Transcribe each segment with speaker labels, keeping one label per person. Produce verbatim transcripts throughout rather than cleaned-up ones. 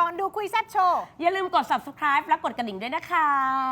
Speaker 1: ก่อนดูคุยแซ่บโชว์
Speaker 2: อย่าลืมกด ซับสไครบ์ และกดกระดิ่งด้วยนะคะ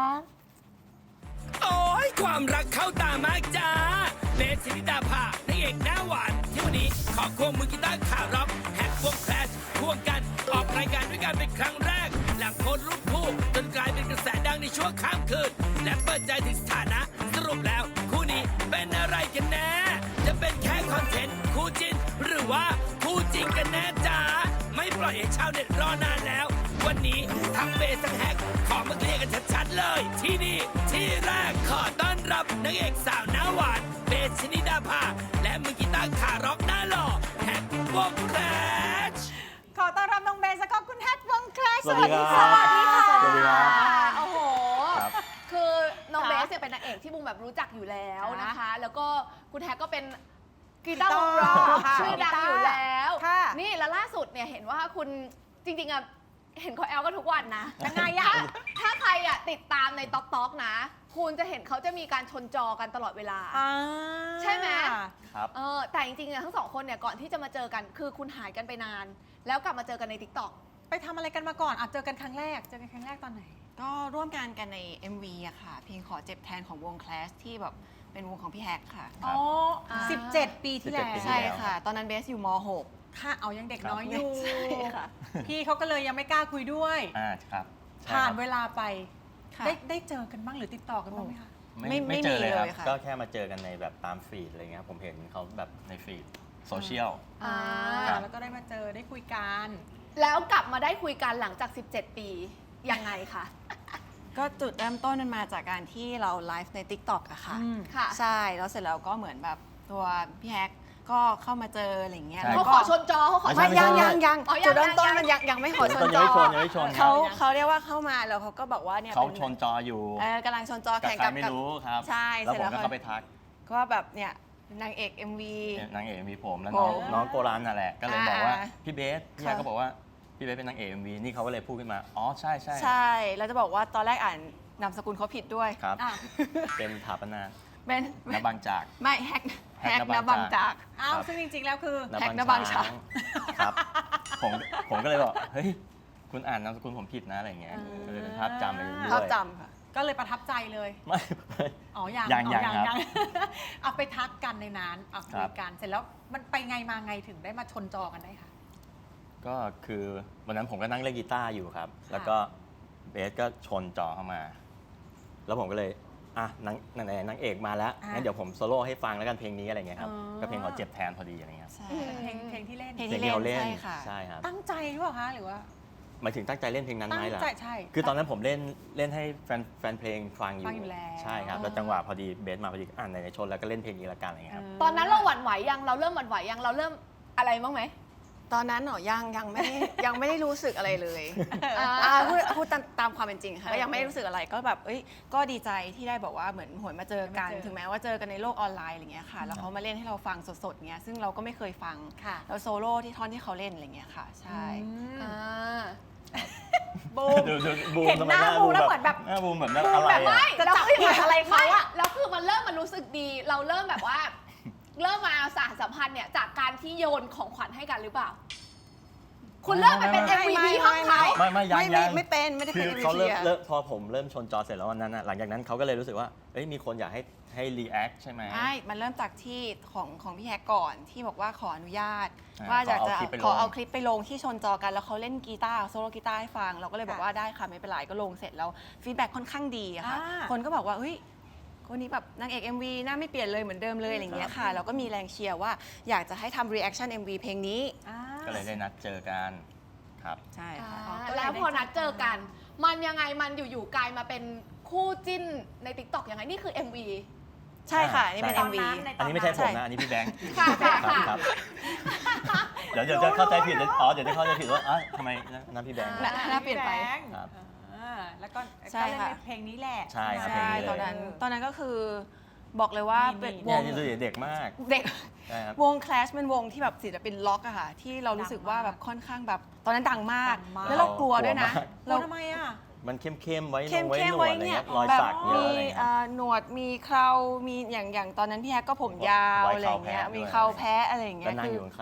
Speaker 3: โอ้ยความรักเข้าตามากจ้าเบสสินิดาภานางเอกหน้าหวานที่วันนี้ขอควงมือกีตาร์ขาร็อกแฮกวงแคลชควงกันออกรายการด้วยกันเป็นครั้งแรกหลังโพสต์รูปคู่จนกลายเป็นกระแสดังในช่วงข้ามคืนและเปิดใจถึงสถานะสรุปแล้วคู่นี้เป็นอะไรกันแน่จะเป็นแค่คอนเทนต์คู่จิ้นหรือว่าคู่จริงกันแน่จ้าไม่ปล่อยให้ชาวเน็ตรอนานแล้ววันนี้ทั้งเบสทั้งแฮกขอมาเคลียร์กันชัดๆเลยที่นี่ที่แรกขอต้อนรับนางเอกสาวหน้าหวานเบสชนิดาภาและมือกีตาร์ขาร็อกหน้าหล่อแฮกวงแคลช
Speaker 1: ขอต้อนรับน้องเบสแล้วก็คุณแฮทวงแคลช
Speaker 4: สวัสดีครับ
Speaker 1: สวัสดีค่ะ
Speaker 4: สวัสดีครับ
Speaker 5: โอ้โห
Speaker 4: ครับ
Speaker 5: คือน้อง
Speaker 1: ค่ะ
Speaker 5: เบสเนี่ยเป็นนางเอกที่บูมแบบรู้จักอยู่แล้วนะคะ แล้วก็คุณแท็กก็เป็นกี
Speaker 1: กี
Speaker 5: ตา
Speaker 1: ตาร์
Speaker 5: ร์วงร็อก
Speaker 1: ค่ะ
Speaker 5: ชื่อดังอยู่แล้ว
Speaker 1: ค่ะ
Speaker 5: นี่แล้วล่าสุดเนี่ยเห็นว่าคุณจริงๆอะเห็นเขาแอลกันทุกวันนะ
Speaker 1: ยังไงอะ
Speaker 5: ถ้าถ้าใครอะติดตามในต๊อกต๊อกนะ คุณจะเห็นเขาจะมีการชนจอกันตลอดเวลา
Speaker 1: อ่า
Speaker 5: ใช่ไหม
Speaker 4: ครับ
Speaker 5: เออแต่จริงๆเนี่ยทั้งสองคนเนี่ยก่อนที่จะมาเจอกัน คือคุณหายกันไปนาน แล้วกลับมาเจอกันในติ๊กต็อก
Speaker 1: ไปทำอะไรกันมาก่อนอ่ะเจอกันครั้งแรก เจอกันครั้งแรกตอนไหน
Speaker 6: ก็ร่วมงานกันใน เอ็ม วี อะค่ะ เพลงขอเจ็บแทนของวง Clash ที่แบบเป็นวงของพี่แฮกค่ะ
Speaker 1: อ๋อ
Speaker 5: อ่า
Speaker 1: สิบเจ็ดปีที่แล้ว
Speaker 4: สิบเจ็ดปีที่
Speaker 6: ใช่
Speaker 4: แล้ว
Speaker 6: ค่ะ ตอนนั้นเบสอยู่ม .หก
Speaker 1: ค่ะเอายังเด็กน้อยอยู่
Speaker 6: ใช่ค่ะ
Speaker 1: พี่เขาก็เลยยังไม่กล้าคุยด้วย
Speaker 4: อ่าครับใช่
Speaker 1: ผ่าน
Speaker 4: ครับ
Speaker 1: เวลาไป
Speaker 6: ค่ะ
Speaker 1: ได้ได้เจอกันบ้างหรือติดต่อกันบ้างไหมคะ
Speaker 4: ไม่
Speaker 6: ไม่
Speaker 4: ไม่เจอเลยครับ
Speaker 6: ไม่มีเลยค่ะ
Speaker 4: ก็แค่มาเจอกันในแบบตามฟีดอะไรเงี้ยผมเห็นเขาแบบในฟีดโซเชียล
Speaker 1: อ่า
Speaker 4: ครับ
Speaker 1: แล้วก็ได้มาเจอได้คุยกัน
Speaker 5: แล้วกลับมาได้คุยกันหลังจาก สิบเจ็ด ปียังไงคะ
Speaker 6: ก็จุดเริ่มต้นมันมาจากการที่เราไลฟ์ใน TikTok อะค่ะ
Speaker 1: อืม
Speaker 5: ค่ะ
Speaker 6: ใช่ แล้วเสร็จแล้วก็เหมือนแบบตัวพี่แฮกก็เข้ามาเจออะไรอย่างเงี้ย
Speaker 4: ใช่
Speaker 5: เขา
Speaker 6: แล้ว
Speaker 5: ข
Speaker 6: ก็
Speaker 5: อชนจอเขาขอ
Speaker 6: ไม่
Speaker 5: ชนจ
Speaker 6: ยั
Speaker 5: อง
Speaker 6: ยังยัง
Speaker 5: อ๋อยัง
Speaker 6: จุดเริ่มต้น
Speaker 5: ยัง
Speaker 6: มันยังยังไม่ขอชน
Speaker 4: ตอน
Speaker 6: จ
Speaker 4: ยัง
Speaker 6: อ
Speaker 4: ไม่ชนยังไม่ชน
Speaker 6: เขาเขาเรียกว่าเข้ามาแล้วเขาก็บอกว่าเนี่ย
Speaker 4: เขา
Speaker 6: ป็
Speaker 4: ชนจออยู่
Speaker 6: เออกำลังชนจอ
Speaker 4: แต่
Speaker 6: แข่ง
Speaker 4: ใคร
Speaker 6: กับ
Speaker 4: ไม่
Speaker 6: กับ
Speaker 4: รู้ครับ
Speaker 6: ใช่
Speaker 4: แล้ว
Speaker 6: เสร็
Speaker 4: ผ
Speaker 6: จ
Speaker 4: ม
Speaker 6: แล้ว
Speaker 4: ก็เข้าไปทัก
Speaker 6: ก็แบบเนี่ยนางเอก เอ็ม วี
Speaker 4: นางเอกมีผมแล้ว
Speaker 6: โอ้
Speaker 4: น้องน้องโกรันน่ะแหละก็เลยบอกว่า
Speaker 6: อ่า
Speaker 4: พี่เบสพี่
Speaker 6: ค่ะ
Speaker 4: ยาก็บอกว่าพี่เบสเป็นนางเอกเอ็มวีนี่เขาก็เลยพูดขึ้นมาอ๋อใช่ใช่
Speaker 6: ใช่ แล้วจะบอกว่าตอนแรกอ่านนามสกุลเขาผิดด้วย
Speaker 4: ครับ
Speaker 1: อ่ะ
Speaker 4: เป็นถาปนา
Speaker 6: เป็น
Speaker 4: นบางจาก
Speaker 6: ไม่แฮก
Speaker 4: แฮ
Speaker 6: แฮ
Speaker 4: ก
Speaker 6: ก
Speaker 4: น
Speaker 6: น
Speaker 4: บั
Speaker 6: บั
Speaker 4: ง
Speaker 6: ง
Speaker 4: จา
Speaker 6: จาก ก
Speaker 1: อ้าวซึ่งจริงๆแล้วคือ
Speaker 6: แฮกนบางช้าง
Speaker 4: ครับผมผมก็เลยบอกเฮ้ยคุณอ่านนามสกุลผมผิดนะอะไรเงี้ย
Speaker 1: อ่า
Speaker 4: ก็เลยเป็นภาพจำไปด้วย
Speaker 6: ภาพจำค่ะ
Speaker 1: ก็เลยประทับใจเลย
Speaker 4: ไม่
Speaker 1: อ๋อยัง
Speaker 4: ยัง
Speaker 1: อ๋อ
Speaker 4: ยังครับ
Speaker 1: เอาไปทักกันในนั้นเอา
Speaker 4: ค
Speaker 1: คุ
Speaker 4: รั
Speaker 1: ย
Speaker 4: บ
Speaker 1: กันเสร็จแล้วมันไปไงมาไงถึงได้มาชนจอกันได้คะ
Speaker 4: ก็คือวันนั้นผมก็นั่งเล่นกีตาร์อยู่ครับ
Speaker 1: ค่ะ
Speaker 4: แล้วก็เบสก็ชนจอเข้ามา แล้วผมก็เลยอ่ะนางนางนางเอกมาแล้วงั้นเดี๋ยวผมโซโล่ให้ฟังแล้วกันเพลงนี้อะไรเงี้ยครับก็เพลงขอเจ็บแทนพอดีอะไรเงี้ย
Speaker 6: ใช่
Speaker 1: เพลงเพลงที่เล่น
Speaker 6: เพลง
Speaker 4: เพลง
Speaker 6: ที่
Speaker 4: ที่เรา
Speaker 6: เล่
Speaker 4: เล่
Speaker 6: น
Speaker 4: น
Speaker 6: ใช่ค่ะ
Speaker 4: ใช่ครับ
Speaker 1: ตั้งใจหรือเปล่าคะหรือว่า
Speaker 4: หมายถึงตั้งใจเล่นเพลงนั้นไหม
Speaker 1: ตั้ง
Speaker 4: ล่ะ
Speaker 1: ใจใช่
Speaker 4: คือตอนนั้นผมเล่นเล่นให้แฟนแฟนเพลงฟังอยู่
Speaker 1: ฟังอยู่แล้ว
Speaker 4: ใช่ครับแล้วจังหวะพอดีเบสมาพอดีอ่านในชนแล้วก็เล่นเพลงนี้ละกันอะไรเงี้ยครับ
Speaker 5: ตอนนั้นเราหวั่นไหวยังเราเริ่มหวั่นไหวยังเราเริ่มอะไรบ้างไหม
Speaker 6: ตอนนั้นเหรอยังยังไม่ได้ยังไม่ได้รู้สึกอะไรเลย
Speaker 5: อ่า
Speaker 6: อ่าพูดพูดตามตามความเป็นจริงค่ะก็ยังไม่ได้รู้สึกอะไรก็แบบเอ้ยก็ดีใจที่ได้บอกว่าเหมือนหวนมาเจอกัน
Speaker 1: มาเจอ
Speaker 6: ถึงแม้ว่าเจอกันในโลกออนไลน์อะไรเงี้ยค่ะแล้วเขามาเล่นให้เราฟังสดๆเงี้ยซึ่งเราก็ไม่เคยฟัง
Speaker 1: ค่ะ
Speaker 6: แล้วโซโล่ที่ท่อนที่เขาเล่นอะไรเงี้ยค่ะ ใช่
Speaker 1: อืม
Speaker 5: อ่า
Speaker 1: บูม
Speaker 4: ดูดูบูม
Speaker 1: เห็น
Speaker 4: ทำไม
Speaker 1: หน้าบูมแล้วเหมือนแบบ
Speaker 4: หน้าบูมแบบนั้นอะไร
Speaker 5: แบบ
Speaker 4: อะ
Speaker 5: ไม่
Speaker 1: จะ
Speaker 5: แล้ว
Speaker 1: จับ
Speaker 5: คือ
Speaker 1: ผิดอะไรเขาอะ
Speaker 5: ไม่แล้วคือมันเริ่มมันรู้สึกดี เราเริ่มแบบว่า เริ่มมาสานสัมพันธ์เนี่ยจากการที่โยนของขวัญให้กันหรือเปล่า คุณเริ่มไปเป็น
Speaker 4: ไม่
Speaker 5: เอ็ม
Speaker 4: ไม่
Speaker 5: วี พี ห้องเขา
Speaker 4: ไม่ไม่ยัง
Speaker 6: ไม่
Speaker 4: ยั
Speaker 6: ไม่
Speaker 4: ง
Speaker 6: ไม่เป็นไม่ได้
Speaker 4: คื
Speaker 6: เป็น
Speaker 4: อ
Speaker 6: เอ็ม
Speaker 4: เขา
Speaker 6: วี
Speaker 4: เริ่ม
Speaker 6: อะ
Speaker 4: เริ่มพอผมเริ่มชนจอเสร็จแล้ววันนั้นอะหลังจากนั้นเขาก็เลยรู้สึกว่าเอ้ยมีคนอยากให้ให้รีแอคใช่ไหม
Speaker 6: ใช่ มันเริ่มจากที่ของของพี่แฮกก่อนที่บอกว่าขออนุญาต
Speaker 4: อ่า
Speaker 6: ว่าอยากจะ
Speaker 4: ขอเอาคลิปไปลง
Speaker 6: ขอเอาคลิปไปลงที่ชนจอกันแล้วเขาเล่นกีตาร์โซโล่กีตาร์ให้ฟัง เราก็เลยบอกว่าได้ค่ะไม่เป็นไรก็ลงเสร็จแล้วฟีดแบ็กค่อนข้างดีอะค่ะ
Speaker 1: อ่า
Speaker 6: คนก็บอกว่าเฮ้ยคนนี้แบบนางเอก เอ็ม วี หน้าไม่เปลี่ยนเลยเหมือนเดิมเลยอะไรอย่างเงี้ยค่ะแล้วก็มีแรงเชียร์ว่าอยากจะให้ทำรีแอคชั่น เอ็ม วี เพลงนี้
Speaker 1: อ่า
Speaker 4: ก็เลยได้นัดเจอกันครับ
Speaker 6: ใช่ค่ะ
Speaker 5: อ่าแล้วพอนัดเจอกัน มันยังไงมันอยู่ๆกลายมาเป็นคู่จิ้นใน ติ๊กต็อก ยังไงนี่คือ เอ็ม วี
Speaker 6: ใช่ค่ะ นี่เป็น
Speaker 4: ใช่
Speaker 6: เอ็ม วี
Speaker 4: อันนี้ไม่ใช่ผมนะอันนี้พี่แบงค์
Speaker 5: ค่ะค่ะ
Speaker 4: ครับ
Speaker 5: ค่ะ
Speaker 4: ครับเดี๋ยวเดี๋ยวจะเข้าใจผิดเดี๋ยวอ๋อเดี๋ยวจะเข้าใจผิดว่าอ๋อทำไมนั่นพี่แบงค์
Speaker 6: หน้าหน้าเปลี่ยนไป
Speaker 4: ครับ
Speaker 1: อ่าแล้วก็
Speaker 6: ใช่
Speaker 1: ก็เล่น
Speaker 6: ค่ะ
Speaker 1: ในเพลงนี้แหละ
Speaker 4: ใช่ครับ
Speaker 6: ใช่ตอนนั้นตอนนั้นก็คือบอกเลยว่า
Speaker 1: นี่
Speaker 6: เป็น
Speaker 1: นี่
Speaker 6: ว
Speaker 4: เนี่ย
Speaker 6: ง
Speaker 4: นี่ดูดิเด็กมาก
Speaker 6: เด็ก
Speaker 4: ใช่ครับ
Speaker 6: วง Clash เป็นวงที่แบบศิลปินล็อกอะค่ะ ที่เรารู้สึกว่าแบบค่อนข้างแบบ ตอนนั้นดังมาก
Speaker 1: ดังมาก
Speaker 6: แล้วเรากลัวด้วยนะ
Speaker 1: เราทำไมอ่ะ
Speaker 4: มันเข้มๆไว้น
Speaker 6: เข้
Speaker 4: ง
Speaker 6: ม
Speaker 4: ไว้
Speaker 6: เข้
Speaker 4: ห
Speaker 6: ม
Speaker 4: นว
Speaker 6: ไว้
Speaker 4: ดอะไร
Speaker 6: เนี่
Speaker 4: เงี้
Speaker 6: ย
Speaker 4: ยรอย
Speaker 6: แบบ
Speaker 4: สักเยอะ
Speaker 6: มี
Speaker 4: อะไรเงี้ย
Speaker 6: อ่าหนวดมีเครามีอย่างอย่างตอนนั้นพี่แฮกก็ผมยาว
Speaker 4: ไว้
Speaker 6: อะไรอย่างเงี้ย
Speaker 4: เคราแพะด้วย
Speaker 6: มีเคราแพ้อะไรอย่างเงี้
Speaker 4: ก็
Speaker 6: ย
Speaker 4: นั่ง
Speaker 6: คือ
Speaker 4: อยู่ข้าง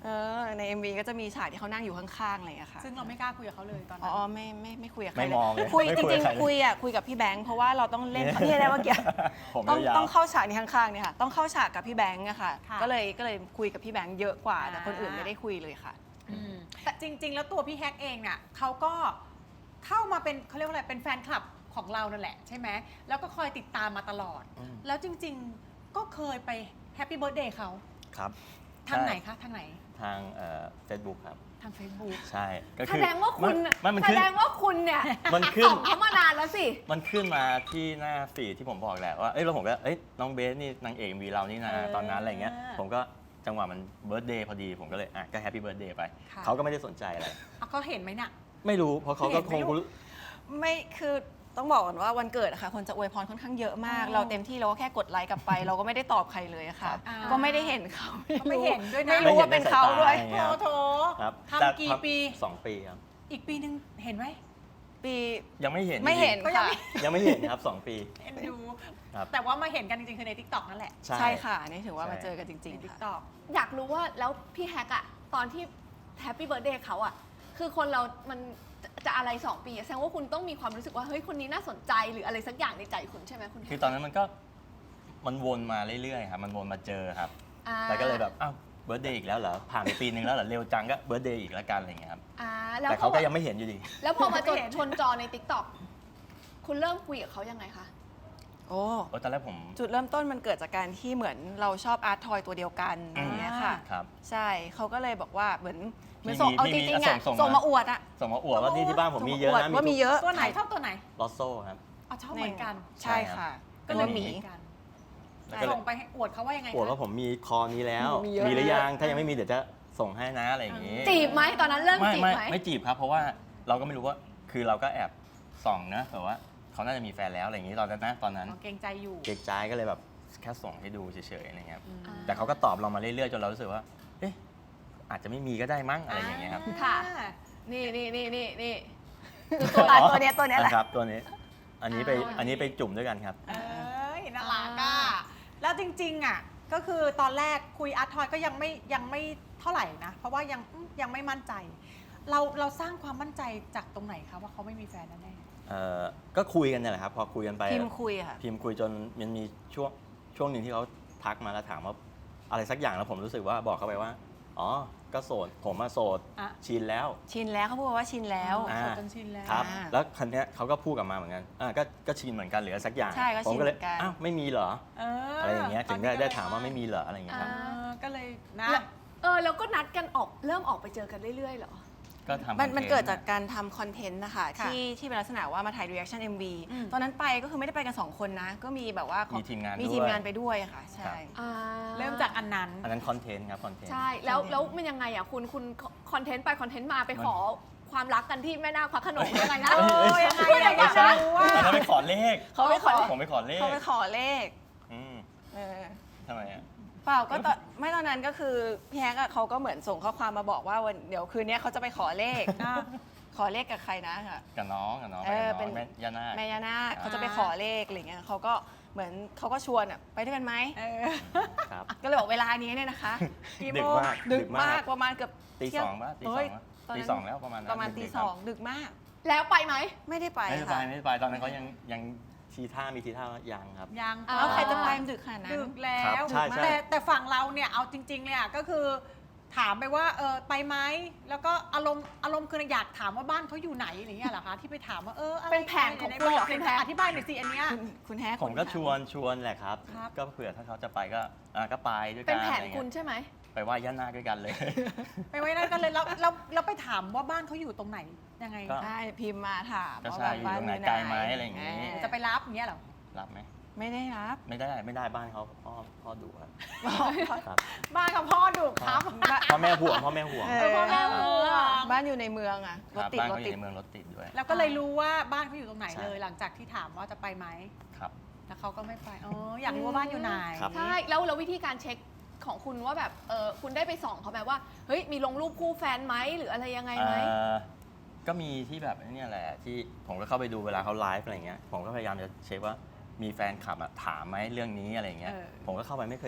Speaker 6: เออใน เอ็ม วี ก็จะมีฉากที่เขานั่งอยู่ข้างๆอะไรอย่างเงี้ยค่ะ
Speaker 1: ซึ่งเราไม่กล้าคุยกับเขาเลยตอน
Speaker 6: อ๋
Speaker 1: นั้น
Speaker 6: อไม่ไม่ไม่คุยกับใคร
Speaker 4: ไม่
Speaker 6: เลย
Speaker 4: มองเลย
Speaker 6: คุย
Speaker 4: ไม่
Speaker 6: จ
Speaker 4: คุย
Speaker 6: ริ
Speaker 4: กับ
Speaker 6: ง
Speaker 4: ใครเลย
Speaker 6: ๆคุยอ่ะคุยกับพี่แบงค์เพราะว่าเราต้องเล่นนี่อะไรเมื่อกี้
Speaker 4: ผม
Speaker 6: ต้อง
Speaker 4: ยาวๆ
Speaker 6: ต้องเข้าฉากนี้ข้างๆเนี่ยค่ะต้องเข้าฉากกับพี่แบงค์อะค่ะ
Speaker 1: ค่ะ
Speaker 6: ก็เลยก็เลยคุยกับพี่แบงค์เยอะกว่า
Speaker 1: อ่า
Speaker 6: แต่คนอื่นไม่ได้คุยเลยค่ะ
Speaker 1: อืมแต่จริง ๆ แล้วตัวพี่แฮกเองเนี่ยเขาก็เข้ามาเป็นเขาเรียกว่าอะไรเป็นแฟนคลับของเรานั่นแหละใช่ไหมแล้วก็คอยติดตามมาตลอด
Speaker 4: อืม
Speaker 1: แล้วจริง ๆ ก็เคยไปแฮปปี้เบิร์ดเดย์เขา
Speaker 4: ครับ
Speaker 1: ทางไหน
Speaker 4: ใช่
Speaker 1: คะทางไหน
Speaker 4: ทางเฟซบุ๊กครับ
Speaker 1: ทาง Facebook
Speaker 4: ใช่ก็
Speaker 5: แส
Speaker 4: คือ
Speaker 5: ดงว่าคุณ
Speaker 4: มันมัน
Speaker 5: แส
Speaker 4: ขึ้น
Speaker 5: ดงว่าคุณเนี่ย
Speaker 4: มันขึ้น
Speaker 5: ส่องเขามานานแล้วสิ
Speaker 4: มันขึ้นมาที่หน้าฟีดที่ผมบอกแหละว่าเอ้ยแล้วผมก็เอ้ยน้องเบสนี่นางเอกมีเรานี่นะ
Speaker 1: เออ
Speaker 4: ตอนนั้นอะไรเงี้ยผมก็จังหวะมันเบิร์ดเดย์พอดีผมก็เลยอ่ะก็แฮปปี้เบิร์ดเดย์ไป
Speaker 1: ค่ะ
Speaker 4: เขาก็ไม่ได้สนใจอะไร
Speaker 1: อ่ะเขาเห็นไหมน่ะ
Speaker 4: ไม่รู้เพราะเขาก็
Speaker 1: เห็น
Speaker 4: ค
Speaker 1: ไหม
Speaker 4: ง
Speaker 1: ลูก
Speaker 6: ไม่คือต้องบอกก่อนว่าวันเกิดอะค่ะคนจะอวยพรค่อนข้างเยอะมาก
Speaker 1: อ๋อ
Speaker 6: เราเต็มที่เราก็แค่กดไลค์กลับไป เราก็ไม่ได้ตอบใครเลยอะค่ะ
Speaker 1: อ่า
Speaker 6: ก็ไม่ได้เห็นเขา
Speaker 1: ก็ไม่เห็นด้วยนะ
Speaker 6: ไม่รู้ว่าเป็นเขาด้วย
Speaker 4: ไม่เห็น
Speaker 1: โถ
Speaker 4: ในสายตา
Speaker 1: โถ
Speaker 4: ครับ
Speaker 1: ทำกี่ปี
Speaker 4: สองปีครับ
Speaker 1: อีกปีหนึ่งเห็นไหม
Speaker 6: ปี
Speaker 4: ยังไม่เห็น
Speaker 6: ไม่เห็น
Speaker 1: ก็ยัง
Speaker 6: ค่ะ
Speaker 1: ไม่
Speaker 4: ยังไม่เห็นครับสองปี
Speaker 1: เอ็นดู
Speaker 4: ครับ
Speaker 1: แต่ว่ามาเห็นกันจริงๆคือใน TikTok นั่นแหละ
Speaker 6: ใช่ค่ะอันนี่ถือว่า
Speaker 4: ใช่
Speaker 6: มาเจอกันจริง
Speaker 1: ใน
Speaker 6: ๆค่ะ
Speaker 1: TikTok
Speaker 5: อยากรู้ว่าแล้วพี่แฮกอะตอนที่แฮปปี้เบิร์ดเดย์เขาอะคือคนเรา มันจะจะอะไรสองปีอะแสดงว่าคุณต้องมีความรู้สึกว่าเฮ้ยคนนี้น่าสนใจหรืออะไรสักอย่างในใจคุณใช่ไหมคุณแฮ
Speaker 4: คือก ตอนนั้นมันก็มันวนมาเรื่อยๆครับมันวนมาเจอครับ
Speaker 5: อ่า
Speaker 4: แล้วก็เลยแบบอ้าวเบิร์ดเดย์อีกแล้วเหรอผ่านไปปีนึงแล้วเหรอเร็วจังก็เบิร์ดเดย์อีกแล้วกันอะไรอย่างเงี้ยครับ
Speaker 5: อ่าแล้ว
Speaker 4: แต่
Speaker 5: พ
Speaker 4: เขา
Speaker 5: อ
Speaker 4: ก็ยังไม่เห็นอยู่ดี
Speaker 5: แล้วพอมาจน
Speaker 1: ไม่เห็น
Speaker 5: ชนจอใน TikTok คุณเริ่มคุยกับเขายังไงคะ
Speaker 6: โอ้
Speaker 4: โอ้ตอนแรกผม
Speaker 6: จุดเริ่มต้นมันเกิดจากการที่เหมือนเราชอบอาร์ตทอยตัวเดียวกันอย่างเงี้ยค่ะ
Speaker 4: ครับ
Speaker 6: ใช่เขาก็เลยบอกว่าเหมือนเหมือน
Speaker 4: มี
Speaker 6: ส่งเอา
Speaker 4: มี
Speaker 6: จ
Speaker 4: มี
Speaker 6: ริงๆ
Speaker 4: ส่
Speaker 6: อ่ะ
Speaker 4: งส่ง
Speaker 6: ส่ง
Speaker 4: มา
Speaker 6: มาอวดอ่ะ
Speaker 4: ส่งมาอวดว่านี่ที่บ้านผมมีเยอะ
Speaker 6: ส่ง
Speaker 4: นะ
Speaker 6: มาอวดว่ามีเยอะ
Speaker 1: ตัวไหนชอบตัวไหน
Speaker 4: ลอสโซ่ครับ
Speaker 1: อ๋อชอบเหมือนกัน
Speaker 6: ใช่ค่ะ
Speaker 1: ก็เลย
Speaker 6: ห
Speaker 1: ห
Speaker 6: มี
Speaker 1: มีกัน
Speaker 4: แล้วก็เลย
Speaker 1: ส่งไปให้อวดเขาว่ายังไง
Speaker 4: อวด
Speaker 1: คะ
Speaker 4: ว่าผมมีคอนี้แล้ว
Speaker 6: มีเยอะ
Speaker 4: มีหรือยังถ้ายังไม่มีเดี๋ยวจะส่งให้นะอะไรอย่างงี้
Speaker 5: จีบไหมตอนนั้นเริ่ม
Speaker 4: ไม่
Speaker 5: จีบ
Speaker 4: ไม่
Speaker 5: ไหม
Speaker 4: ไม่จีบครับ เพราะว่าเราก็ไม่รู้ว่าคือเราก็แอบส่องนะแต่ว่าเขาน่าจะมีแฟนแล้วอะไรอย่างงี้ตอนนั้นนะตอนนั้น
Speaker 1: อ๋อเกรงใจอยู่
Speaker 4: เก๊กใจก็เลยแบบแค่ส่งให้ดูเฉยๆอะไรเงี้ยครับ
Speaker 5: อ่า
Speaker 4: แต่เขาก็ตอบเรามาเรื่อยๆจนเรารู้สึกว่า เอ๊ะอาจจะไม่มีก็ได้มั้งอะไรอย่างเงี้ยครับ
Speaker 5: ค่ะ นี่นี่นี่นี่นี่
Speaker 6: ตัวอ่ะตัวเนี้ยตัวเนี้ยแหละ
Speaker 4: ครับตัวนี้ อันนี้ไป
Speaker 5: อ่า
Speaker 4: อันนี้ไปจุ่มด้วยกันครับ
Speaker 1: เอ้ยน่ารัก
Speaker 5: อ่า
Speaker 1: อ่ะแล้วจริงๆอ่ะก็คือตอนแรกคุยอาร์ตทอยก็ยังไม่ยังไม่เท่าไหร่นะ เพราะว่ายังอืมยังไม่มั่นใจ เราเราสร้างความมั่นใจจากตรงไหนคะว่าเขาไม่มีแฟนแน่
Speaker 4: เอ่อก็คุยกันเนี่ยแหละครับพอคุยกันไป
Speaker 6: พิมพ์คุยอะค่ะ
Speaker 4: พิมพ์คุยจนมันมีช่วงช่วงหนึ่งที่เขาทักมาแล้วถามว่าอะไรสักอย่างแล้วผมรู้สึกว่าบอกเขาไปว่า อ๋อ ก็โสดผมมาโสด
Speaker 1: อ่ะ
Speaker 4: ชินแล้ว
Speaker 6: ชินแล้วเขาพูดว่าชินแล้ว
Speaker 4: อ่า
Speaker 1: โสดจนชินแล้ว
Speaker 4: ครับ
Speaker 6: อ่า
Speaker 4: แล้วคันเนี้ยเขาก็พูดกลับมาเหมือนกันอ่าก็ก็ชินเหมือนกันหรืออะไรสักอย่าง
Speaker 6: ใช่ก็
Speaker 4: ผมก็เลย
Speaker 6: ชินเหมือนกัน
Speaker 4: อ้าวไม่มีเหรอ
Speaker 1: เออ
Speaker 4: อะไรอย่างเงี้ยถึงได้
Speaker 1: ตอนนี้ก็
Speaker 4: ได้
Speaker 1: เลย
Speaker 4: ถามว่าไม่มีเหรออะไรอย่างเงี้ยครับ
Speaker 1: เออก็เลยนะ
Speaker 5: แล้วเออแล้วก็นัดกันออกเริ่มออกไปเจอกันเรื่อยๆเหรอ
Speaker 4: ก็ทำ
Speaker 6: มัน
Speaker 4: คอทต์
Speaker 6: มันเกิดจากการทำคอนเทนต์นะคะ
Speaker 1: ค่ะ
Speaker 6: ที่ที่เป็นลักษณะว่ามาถ่าย reaction เอ็ม วี
Speaker 1: อืม
Speaker 6: ตอนนั้นไปก็คือไม่ได้ไปกัน สอง คนนะ ก็มีแบบว่าของ
Speaker 4: มีทีมงาน
Speaker 6: มี
Speaker 4: ด้วย
Speaker 6: ทีมงานไปด้วยค่ะ ใช่
Speaker 5: อ่า
Speaker 1: เริ่มจากอันนั้น
Speaker 4: อันนั้นคอนเทนต์ครับคอนเทนต์
Speaker 5: ใช่ แล้วแล้วมันยังไงอ่ะคุณคุณคอนเทนต์ไปคอนเทนต์มาไปขอความรักกันที่แม่นาคพระโขนงยังไงนะ
Speaker 1: เออยังไง
Speaker 5: พูดอย่าง
Speaker 1: อะ
Speaker 5: นั้น
Speaker 1: อยาก
Speaker 5: นะ
Speaker 1: รู้ว่า
Speaker 4: อันนั้นไปขอเลข
Speaker 6: เขาไปขอ
Speaker 4: ผมไปขอเลข
Speaker 6: เขาไปขอเลข
Speaker 4: อืม
Speaker 6: เออ
Speaker 4: ทำไมอ่ะ
Speaker 6: เปล่าก็ตอนไม่ตอนนั้นก็คือพี่แฮกอะเขาก็เหมือนส่งข้อความมาบอกว่าวันเดี๋ยวคืนนี้เขาจะไปขอเลข
Speaker 1: อ่ะ
Speaker 6: ขอเลขกับใครนะค่ะ
Speaker 4: กับน้องกับน้อง
Speaker 6: เอ
Speaker 4: ไป
Speaker 6: อ
Speaker 4: กับ
Speaker 6: เป็
Speaker 4: น้อน งแม่ย่านาค
Speaker 6: แม่ยานาคเขาจะไป
Speaker 1: อ่า
Speaker 6: ขอเลขอะไรเงี้ยเขาก็เหมือนเขาก็ชวนอะไปด้วยกันไหม
Speaker 1: เออ
Speaker 4: ครับ
Speaker 6: ก็เลยบอกเวลานี้เนี่ยนะคะ
Speaker 1: กี่
Speaker 4: ดึ
Speaker 1: โม
Speaker 4: ก
Speaker 1: ง
Speaker 4: มาก
Speaker 6: ดึกมากประมาณเกือบ
Speaker 4: ตี
Speaker 6: เที่ย
Speaker 4: สองป่ะตีส
Speaker 6: เฮ้
Speaker 4: อย งป่ะ
Speaker 6: ตอนนั้น
Speaker 4: ตีสองแล้วประมาณนั้น
Speaker 6: ประมาณตี
Speaker 4: ดึกๆ
Speaker 6: ส
Speaker 4: คบ
Speaker 6: องดึกมาก
Speaker 5: แล้วไปไหม
Speaker 6: ไม่ได้ไป
Speaker 4: ไม่ได้ไป
Speaker 6: ค่ะ
Speaker 4: ไม่ได้ไปตอนนั้นเขายังยังทีท่ามีทีท่าว่ายังครับ
Speaker 1: ยัง
Speaker 5: อ่า
Speaker 6: แล้วใครจะไปมันดึกขนาดนั้น
Speaker 1: ดึกแล้
Speaker 4: ครั
Speaker 1: ว
Speaker 4: บใช่ใช่
Speaker 1: แต่แต่ฝั่งเราเนี่ยเอาจริงๆเลยอ่ะก็คือถามไปว่าเออไปไหมแล้วก็อารมณ์อารมณ์คืออยากถามว่าบ้านเขาอยู่ไหนอะไรเงี้ยเหรอคะที่ไปถามว่าเอออะไร
Speaker 5: เป็นแผนของคุณเหรอคุณแพร
Speaker 1: อธิบายหน่อยสิอันเนี้ย
Speaker 6: คุณคุณแฮก
Speaker 4: ผมก็ชวนชวนแหละครับ
Speaker 1: ครับ
Speaker 4: ก็เผื่อถ้าเขาจะไปก็อ่ะก็ไปด้วย
Speaker 5: เป็
Speaker 4: กัน น
Speaker 5: แผน
Speaker 4: อะไร
Speaker 5: คุ
Speaker 4: เงี้
Speaker 5: ณ
Speaker 4: ย
Speaker 5: ใช่ไหม
Speaker 4: ไปไหว้ย่านาคด้วยกันเลย
Speaker 1: ไปไว้นั่นกันเลยแล้วแล้วแล้วไปถามว่าบ้านเขาอยู่ตรงไหนยังไง
Speaker 4: ก็
Speaker 6: ใช่พิมพ์มาถาม
Speaker 4: ก็
Speaker 6: ว่า
Speaker 4: ใช่
Speaker 6: แบบบ้าน
Speaker 4: อยู่ตรงไหน
Speaker 6: อยู่
Speaker 4: ไกลไหมอะไรอย่างงี้
Speaker 6: เ
Speaker 1: จะไปรับอย่างเงี้ยเหรอ
Speaker 4: รับไหม
Speaker 6: ไม่ได้รับ
Speaker 4: ไม่ได้ไม่ได้บ้านเขาพ่อพ่อดุครับครับ
Speaker 1: บ้านกับพ่อดุครับ
Speaker 4: พ่อแม่ห่วงพ่อแม่ห่วง
Speaker 6: เอ
Speaker 1: เออพ่อแม่ห่วง
Speaker 6: บ้านอยู่ในเมืองอะ
Speaker 4: ค
Speaker 6: รถ
Speaker 4: รับ
Speaker 6: ติด
Speaker 4: บ้าน
Speaker 6: รถ
Speaker 4: เขาอ
Speaker 6: ติ
Speaker 4: ยู่
Speaker 6: ด
Speaker 4: ในเมืองรถติดด้วย
Speaker 1: แล้วก็เลยรู้ว่าบ้านเขาอยู่ตรงไหน
Speaker 4: ใช่
Speaker 1: เลย หลังจากที่ถามว่าจะไปไหม
Speaker 4: ครับ
Speaker 1: แล้วเขาก็ไม่ไปอ๋ออยากรู้ว่าบ้านอยู่ไหน
Speaker 4: ครับ
Speaker 5: ใช่ แล้วแล้ววิธีการเช็คของคุณว่าแบบเออคุณได้ไปส่องเขาไหมว่า เฮ้ย มีลงรูปคู่แฟนไหมหรืออะไรยังไงไหม
Speaker 4: เอ่อก็มีที่แบบนี่แหละที่ผมก็เข้าไปดูเวลาเขาไลฟ์อะไรเงี้ยผมก็พยายามจะเช็คว่ามีแฟนคลับอะถามไหมเรื่องนี้อะไรเงี้ย
Speaker 1: เออ
Speaker 4: ผมก็เข้าไปไม่เคย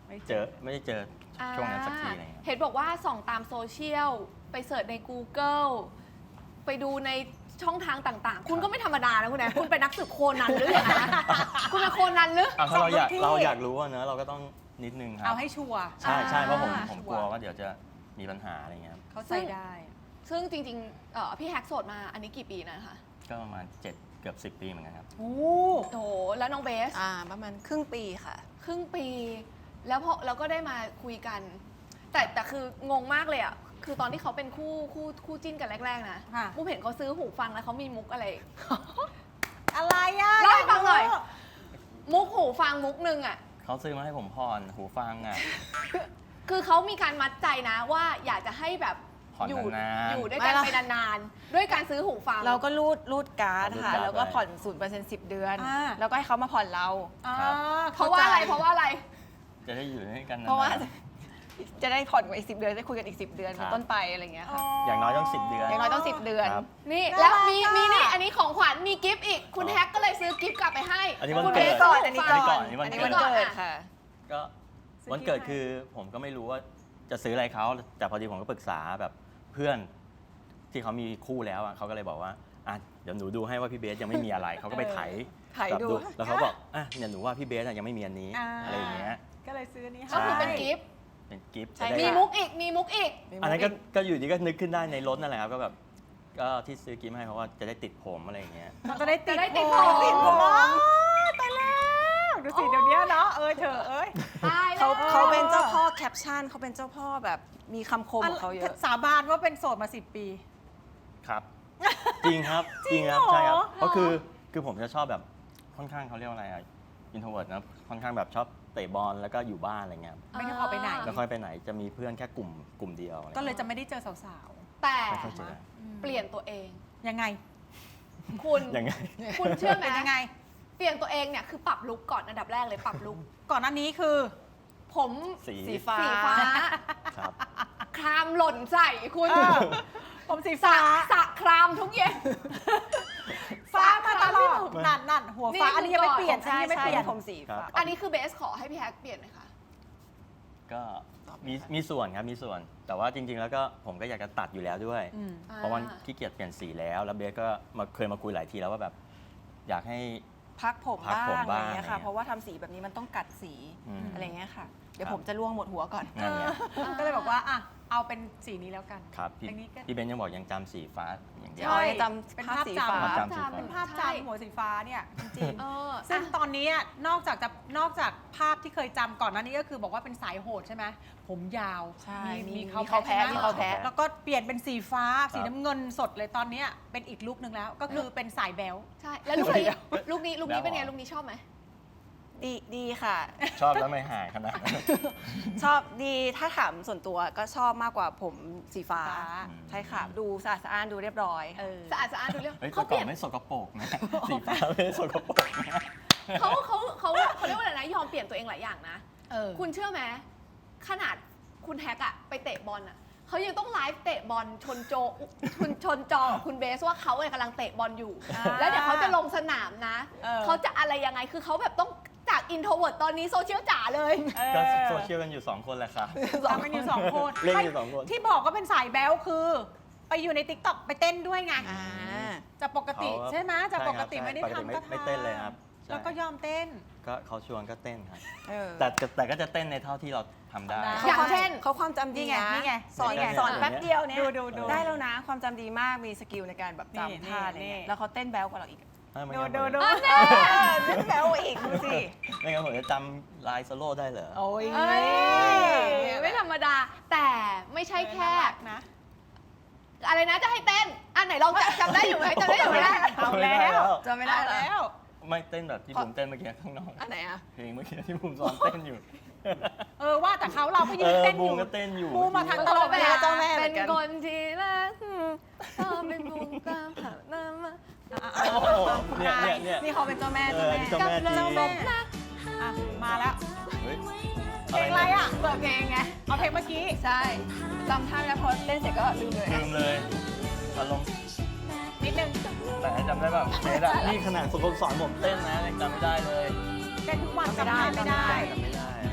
Speaker 1: ไม่
Speaker 4: เจอไม่ได้เจอช่วงนั้นสักทีอะไรเงี้ย
Speaker 5: เห็นบอกว่าส่องตามโซเชียล ไปเสิร์ชใน Google ไปดูในช่องทางต่างๆ คุณก็ไม่ธรรมดานะคุณแอนคุณเป็นนักสืบโคนันหรือยังไงนะคุณเป็นโคนันหรือ
Speaker 4: อ่ะถ้าเราอยาก
Speaker 1: สองที่
Speaker 4: เราอยากรู้อะเนอะเราก็ต้องนิดนึงครั
Speaker 1: เอา
Speaker 4: บ
Speaker 1: ให้ชัวร์
Speaker 4: ใช่ใช่เพราะผม
Speaker 1: อ่า
Speaker 4: ผมกลัวว่าเดี๋ยวจะมีปัญหาอะไรเงี้ยครับ
Speaker 1: เข้าใจได้
Speaker 5: ซึ่งจริงๆเอ่อพี่แฮกโสดมาอันนี้กี่ปีนะคะ
Speaker 4: ก็ประมาณเจ็ดเกือบสิบปีเหมือนกันครับ
Speaker 1: โอ้
Speaker 5: โอ้โหแล้วน้องเบส
Speaker 6: อ่าประมาณครึ่งปีค่ะ
Speaker 5: ครึ่งปี แล้วพอเราก็ได้มาคุยกัน แต่แต่คืองงมากเลยอ่ะ คือตอนที่เขาเป็นคู่คู่คู่จิ้นกันแรก ๆ นะ
Speaker 1: ค่ะ
Speaker 5: มุกเห็นเขาซื้อหูฟังแล้วเขามีมุกอะไร
Speaker 1: อะไรอ่ะ
Speaker 5: เล่าให้ฟังหน่อย มุกหูฟังมุกหนึ่งอ่ะ
Speaker 4: เขาซื้อมาให้ผมผ่อนหูฟังอ่ะ
Speaker 5: คือเขามีการมัดใจนะว่าอยากจะให้แบบ
Speaker 4: ผ่อน
Speaker 5: อยู่
Speaker 4: นานๆ
Speaker 5: อยู่ด้วยกัน
Speaker 6: ไม่
Speaker 5: ไปนานๆ ด้วยการซื้อหูฟัง
Speaker 6: เราก็รูดรูดการ์ด
Speaker 4: รูด
Speaker 6: ค่ะ
Speaker 4: การ์ด
Speaker 6: แล้วก็
Speaker 4: ไว้
Speaker 6: ผ่อนศูนย์เปอร์เซ็นต์สิบเดือน
Speaker 1: อ่า
Speaker 6: แล้วก็ให้เขามาผ่อนเรา
Speaker 1: อ่า
Speaker 4: ครับ
Speaker 5: เพราะว่าอะไร เพราะว่าอะไร
Speaker 4: จะได้อยู่ด้วยกันนานๆ
Speaker 6: เพราะว่าจะได้ผ่อนกว่าอีกสิบเดือนได้คุยกันอีกสิบเดือน
Speaker 4: ครั
Speaker 6: เป็น
Speaker 4: บ
Speaker 6: ต้นไปอะไรอย่างเงี้ยค่ะ
Speaker 4: อย่างน้อยต้องสิบเดือน
Speaker 6: อย่างน้อยต้องสิบเดือน
Speaker 4: ครับ
Speaker 5: นี่
Speaker 1: น่า
Speaker 5: แล้ว
Speaker 1: รัก
Speaker 5: มี
Speaker 1: อะ
Speaker 5: มีนี่อันนี้ของขวัญมีกิฟต์อีก คุณ
Speaker 4: อ๋อ
Speaker 5: แฮกก็เลยซื้อกิฟต์กลับไปให้
Speaker 4: อันนี้วัน
Speaker 5: คุณ
Speaker 4: เกิด
Speaker 5: บส
Speaker 6: ก่อน
Speaker 5: ซื้
Speaker 6: อันนี้
Speaker 5: หู
Speaker 6: ก่
Speaker 5: ฟั
Speaker 6: อง น
Speaker 4: อันนี้วัน
Speaker 6: อันนี้
Speaker 4: เกิ
Speaker 6: วัน
Speaker 4: ด
Speaker 6: เกิดค่ะ
Speaker 4: ก็
Speaker 1: ซื้อ
Speaker 4: วันเกิด
Speaker 1: ที่ไหน
Speaker 4: คือผมก็ไม่รู้ว่าจะซื้ออะไรเขาแต่พอดีผมก็ปรึกษาแบบเพื่อนที่เขามีคู่แล้วอ่ะเขาก็เลยบอกว่าอ่ะเดี๋ยวหนูดูให้ว่าพี่เบสยังไม่มีอะไรเขาก็ไปไถ
Speaker 6: ไถ
Speaker 4: แบบ
Speaker 6: ดู
Speaker 4: แล้วเขาบอกอ่ะเนี่ยหนูว่าพี่เบสอะยังไม่มีอันนี้
Speaker 1: อ่า
Speaker 4: อะไรอย่างเงี้ย
Speaker 1: ก็เลยซื้ออันนี้ให้
Speaker 5: ก็คือเป็นกิฟต์
Speaker 4: เป็นกิฟต์
Speaker 6: ใช่
Speaker 4: จะได้
Speaker 5: มี
Speaker 6: ค่ะ
Speaker 5: มุกอีก มีมุกอีก
Speaker 4: อันนั้นก็ก็อยู่ดีก็นึกขึ้นได้ในรถนั่นแหละครับก็แบบก็ที่ซื้อกิฟต์ให้เพราะว่าจะได้ติดผมอะไรอย่างเงี้ย
Speaker 1: มันจะได้ติด
Speaker 5: จะได้ติด
Speaker 1: ผ
Speaker 5: ผม ม
Speaker 1: ติดผมอ๋อตายแล้วดูสิเดี๋ยวนี้เนาะเออเธอเอ้ย
Speaker 5: ตายแล้ว
Speaker 6: เขาเขาเป็นเจ้าพ่อแคปชั่นเขาเป็นเจ้าพ่อแบบมีคำคมของเขาเยอะ
Speaker 1: สาบานว่าเป็นโสดมาสิบปี
Speaker 4: ครับ จริงครับ
Speaker 1: จริง
Speaker 4: ครับ
Speaker 1: เหรอ
Speaker 4: ใช่ครับเพราะคือคือผมจะชอบแบบค่อนข้างเขาเรียกว่าอะไรอะอินโทรเวิร์ดนะค่อนข้างแบบชอบเตะบอลแล้วก็อยู่บ้านอะไรเงี้ย
Speaker 1: ไม่ได้ออกไปไหน
Speaker 4: ไม่ค่อยไปไหนจะมีเพื่อนแค่กลุ่มกลุ่มเดียวอะไร
Speaker 1: ก็เลย
Speaker 4: งี้
Speaker 1: จะไม่ได้เจอสาว
Speaker 5: แต่
Speaker 4: ไม่ค่อยเจอ
Speaker 5: เปลี่ยนตัวเอง
Speaker 1: ๆ ยังไง
Speaker 5: คุณ
Speaker 4: ยังไง
Speaker 5: คุณเชื่อไหม
Speaker 1: เป็นยังไง
Speaker 5: เปลี่ยนตัวเองเนี่ยคือปรับลุคก่อนอันดับแรกเลยปรับลุค
Speaker 1: ก่อนหน้านี้คือ
Speaker 5: ผม
Speaker 4: สี
Speaker 6: สีฟ้า
Speaker 5: สีฟ้า
Speaker 4: ครับ
Speaker 5: ครามหล่นใส่คุณ
Speaker 1: เออ ผมสี
Speaker 5: สระ
Speaker 1: ฟ้า
Speaker 5: สระครามทุกเย็น
Speaker 1: ฟ้ามาตลอด
Speaker 4: ไม่
Speaker 1: นั่นนั่นหัวฟ้า
Speaker 5: นี่
Speaker 1: อันนี้ยังไม่เปลี่ยน
Speaker 6: ใช่
Speaker 1: อันนี้ยังไม่
Speaker 6: ใช่
Speaker 1: เปลี่ยน
Speaker 6: ผมสีฟ้า
Speaker 5: อันนี้คือเบสขอให้พี่แฮกเปลี่ยนไหมคะ
Speaker 4: ก็มีมีส่วนครับมีส่วน แต่ว่าจริง ๆ แล้วก็ผมก็อยากจะตัดอยู่แล้วด้วย
Speaker 1: อืม
Speaker 4: เพราะว่าขี้เกียจเปลี่ยนสีแล้ว แล้วเบสก็มาเคยมาคุยหลายทีแล้วว่าแบบ อยากให้
Speaker 6: พักผม
Speaker 4: พัก
Speaker 6: บ้าง
Speaker 4: ผม
Speaker 6: อะไร
Speaker 4: บ้าง
Speaker 6: เงี้ย
Speaker 4: อะไร
Speaker 6: ค่ะ
Speaker 4: เงี้ย
Speaker 6: เพราะว่าทำสีแบบนี้มันต้องกัดสี
Speaker 4: อืม
Speaker 6: อะไรเงี้ยค่ะ เดี๋ยว
Speaker 4: ครับ
Speaker 6: ผมจะล่วงหมดหัวก่อน
Speaker 4: นั่นไง
Speaker 1: ก็เลยบอกว่าอ่ะเอาเป็นสีนี้แล้วกัน
Speaker 4: ครับพี่
Speaker 1: อันนี้ก็
Speaker 4: พี่เบนยังบอกยังจำสีฟ้าอย่างเดียว
Speaker 1: ใช่
Speaker 6: อ๋อยังจ
Speaker 1: เป็น
Speaker 6: ำภาพ
Speaker 1: ภาพ
Speaker 6: สี
Speaker 1: จำ
Speaker 6: ฟ้า
Speaker 4: ภาพจำ สีฟ้า
Speaker 1: เป็นภาพ
Speaker 5: ใช่
Speaker 1: จำหัวสีฟ้าเนี่ยจริง
Speaker 5: เออ
Speaker 1: ๆซึ่ง
Speaker 5: อ่ะ
Speaker 1: ตอนนี้อะนอกจากจะนอกจากภาพที่เคยจำก่อนหน้านี้ก็คือบอกว่าเป็นสายโหดใช่ไหมผมยาว
Speaker 6: ใช่
Speaker 1: มี
Speaker 6: มี
Speaker 1: มีเขา
Speaker 6: มีเขาแพ้
Speaker 1: ใช่ไห
Speaker 6: มีเขาแพ้
Speaker 1: แล้วก็เปลี่ยนเป็นสีฟ้า
Speaker 4: ครับ
Speaker 1: สีน้ำเงินสดเลยตอนเนี้ยเป็นอีกลุคนึงแล้ว ก็คือเป็นสายแบล
Speaker 5: ใช่ แล้วลูกนี้ลูกนี้ลูกนี้เป็นไง
Speaker 4: แล้วเหรอ
Speaker 5: ลูกนี้ชอบไหม
Speaker 6: ดีดีค่ะ
Speaker 4: ชอบแล้วไม่หายขนาดนั้น
Speaker 6: ชอบดีถ้าถามส่วนตัวก็ชอบมากกว่าผมสีฟ้า
Speaker 1: ฟ้า
Speaker 6: ใช่ค่ะ ดูสะอาดสะอ้านดูเรียบร้อย
Speaker 1: เออ
Speaker 5: สะอาดสะอาดดูเรื่อง
Speaker 4: เฮ้ยแต่
Speaker 5: เขาเป
Speaker 4: ก่อ
Speaker 5: ลี่ย
Speaker 4: น
Speaker 5: น
Speaker 4: ไม่สกปรกนะ สีฟ้าไม่ได้สกปรกนะ
Speaker 5: เขาเขาเขาเขาเรียกว่าอะไรนะ ยอมเปลี่ยนตัวเองหลายอย่างนะ
Speaker 1: เออ
Speaker 5: คุณเชื่อไหมขนาดคุณแฮกอะไปเตะบอลอะเขายังต้องไลฟ์เตะบอลชนโจชนชนจอกับคุณเบสว่าเขาเนี่ยกำลังเตะบอลอยู่
Speaker 1: อ่า
Speaker 5: แล้วเดี๋ยวเขาจะลงสนามนะ
Speaker 1: เออ
Speaker 5: เขาจะอะไรยังไงคือเขาแบบต้องจากอินโทรเวิร์ตตอนนี้โซเชียลจ๋าเลย
Speaker 4: ก็โซเชียลกันอยู่สองคนแหละค่ะ
Speaker 1: สองกันอยู่สองคน
Speaker 4: เล่นอยู่สองคน
Speaker 1: ที่บอกก็เป็นสายแบลคือ ไปอยู่ในติ๊กต็อกไปเต้นด้วยไง
Speaker 6: อ่า
Speaker 1: จากปกติ
Speaker 4: เขา
Speaker 1: ใช่ไหมจากปกติ
Speaker 4: ใช่ครับ
Speaker 1: ไม่ได้
Speaker 4: ปกติไม่
Speaker 1: ทำก็
Speaker 4: ไม่
Speaker 1: ทำ
Speaker 4: เต้นเลยครับใช่
Speaker 1: แล้วก็ยอมเต้น
Speaker 4: ก็เขาชวนก็เต้นครับ
Speaker 6: เออ
Speaker 4: แต่แต่ก็จะเต้นในเท่าที่เราทำได้
Speaker 1: ทำได้
Speaker 5: อย่างเช่น
Speaker 6: เขาความจำดี
Speaker 1: นี่ไง
Speaker 6: นะ
Speaker 1: นี่ไง
Speaker 6: สอน
Speaker 1: นี่ไง
Speaker 6: สอนแป๊บเดียวเนี่ย
Speaker 1: ดูดูดู
Speaker 6: ได้แล้วนะความจำดีมากมีสกิลในการแบบ
Speaker 1: นี่
Speaker 6: จำท่าอะไร
Speaker 1: นี่
Speaker 6: เงี้ย
Speaker 1: นี่
Speaker 6: แล้วเขาเต้นแบ๊วกว่าเราอีก
Speaker 4: เออไม่
Speaker 1: ดู
Speaker 4: งั้น
Speaker 1: ดู
Speaker 4: ผม
Speaker 1: ดู
Speaker 6: เต้นแบ๊วกว่าอีกดูสิ
Speaker 4: ไม่งั้นผมจะจำลายโซโล่ได้เหรอ
Speaker 1: โอ้ย
Speaker 5: เอ้ยไม่ธรรมดา แต่ไม่ใช่แค่
Speaker 1: น่ารักนะ
Speaker 5: อะไรนะจะให้เต้น อันไหนลองจำจำได้อยู่ไหมจำได้อยู่ไหม
Speaker 1: เอาแล้ว
Speaker 6: จำไม่ได้
Speaker 1: เอา
Speaker 6: แล้ว
Speaker 1: แล้ว
Speaker 4: ไม่เต้นแบบที่ผมเต้นเมื่อกี้ข้างนอก
Speaker 6: อันไหนอะ
Speaker 4: เพลงเมื่อกี้ที่ผมซ้อมเต้นอยู่
Speaker 1: เออว่าแต่เขาเราก็ยื
Speaker 4: เอน อ
Speaker 1: เต้นอ
Speaker 4: บูม
Speaker 1: ยู่
Speaker 4: ก็เต้นอยู่
Speaker 1: บูมมาทางตลกเว
Speaker 6: เว
Speaker 1: ลา
Speaker 6: ลาเจ้าแม่เหมื
Speaker 5: เป็
Speaker 6: อน นกัน
Speaker 5: คนที่รักชอบเป็นบุญตามหาหน้ามา
Speaker 4: โอ้โหเนี่ยเนี่ยเนี่ย
Speaker 6: นี่เขาเป็นเจ้าแม่
Speaker 4: เอ
Speaker 6: เจ้า
Speaker 4: อ
Speaker 6: แม่
Speaker 4: นี่เจ้าแม่จริง
Speaker 1: อ่ะมาแล้ว
Speaker 4: เฮ้ย
Speaker 1: เพลงอะไรอ่ะเปิดเพลงไงเอาเพลงเมื่อกี้
Speaker 6: ใช่จำท่าแล้วพอเต้นเสร็จก็ลืมเลย
Speaker 4: ลืมเลยอารมณ์
Speaker 1: นิดนึง
Speaker 4: แต่จำได้แบบเนอะนี่ขนาดฝึกสอนผมเต้นนะยังจำไม่ได้เลย
Speaker 1: เต้นทุกวันจำได้ไม่ได้
Speaker 4: จำไม่ได้
Speaker 6: จ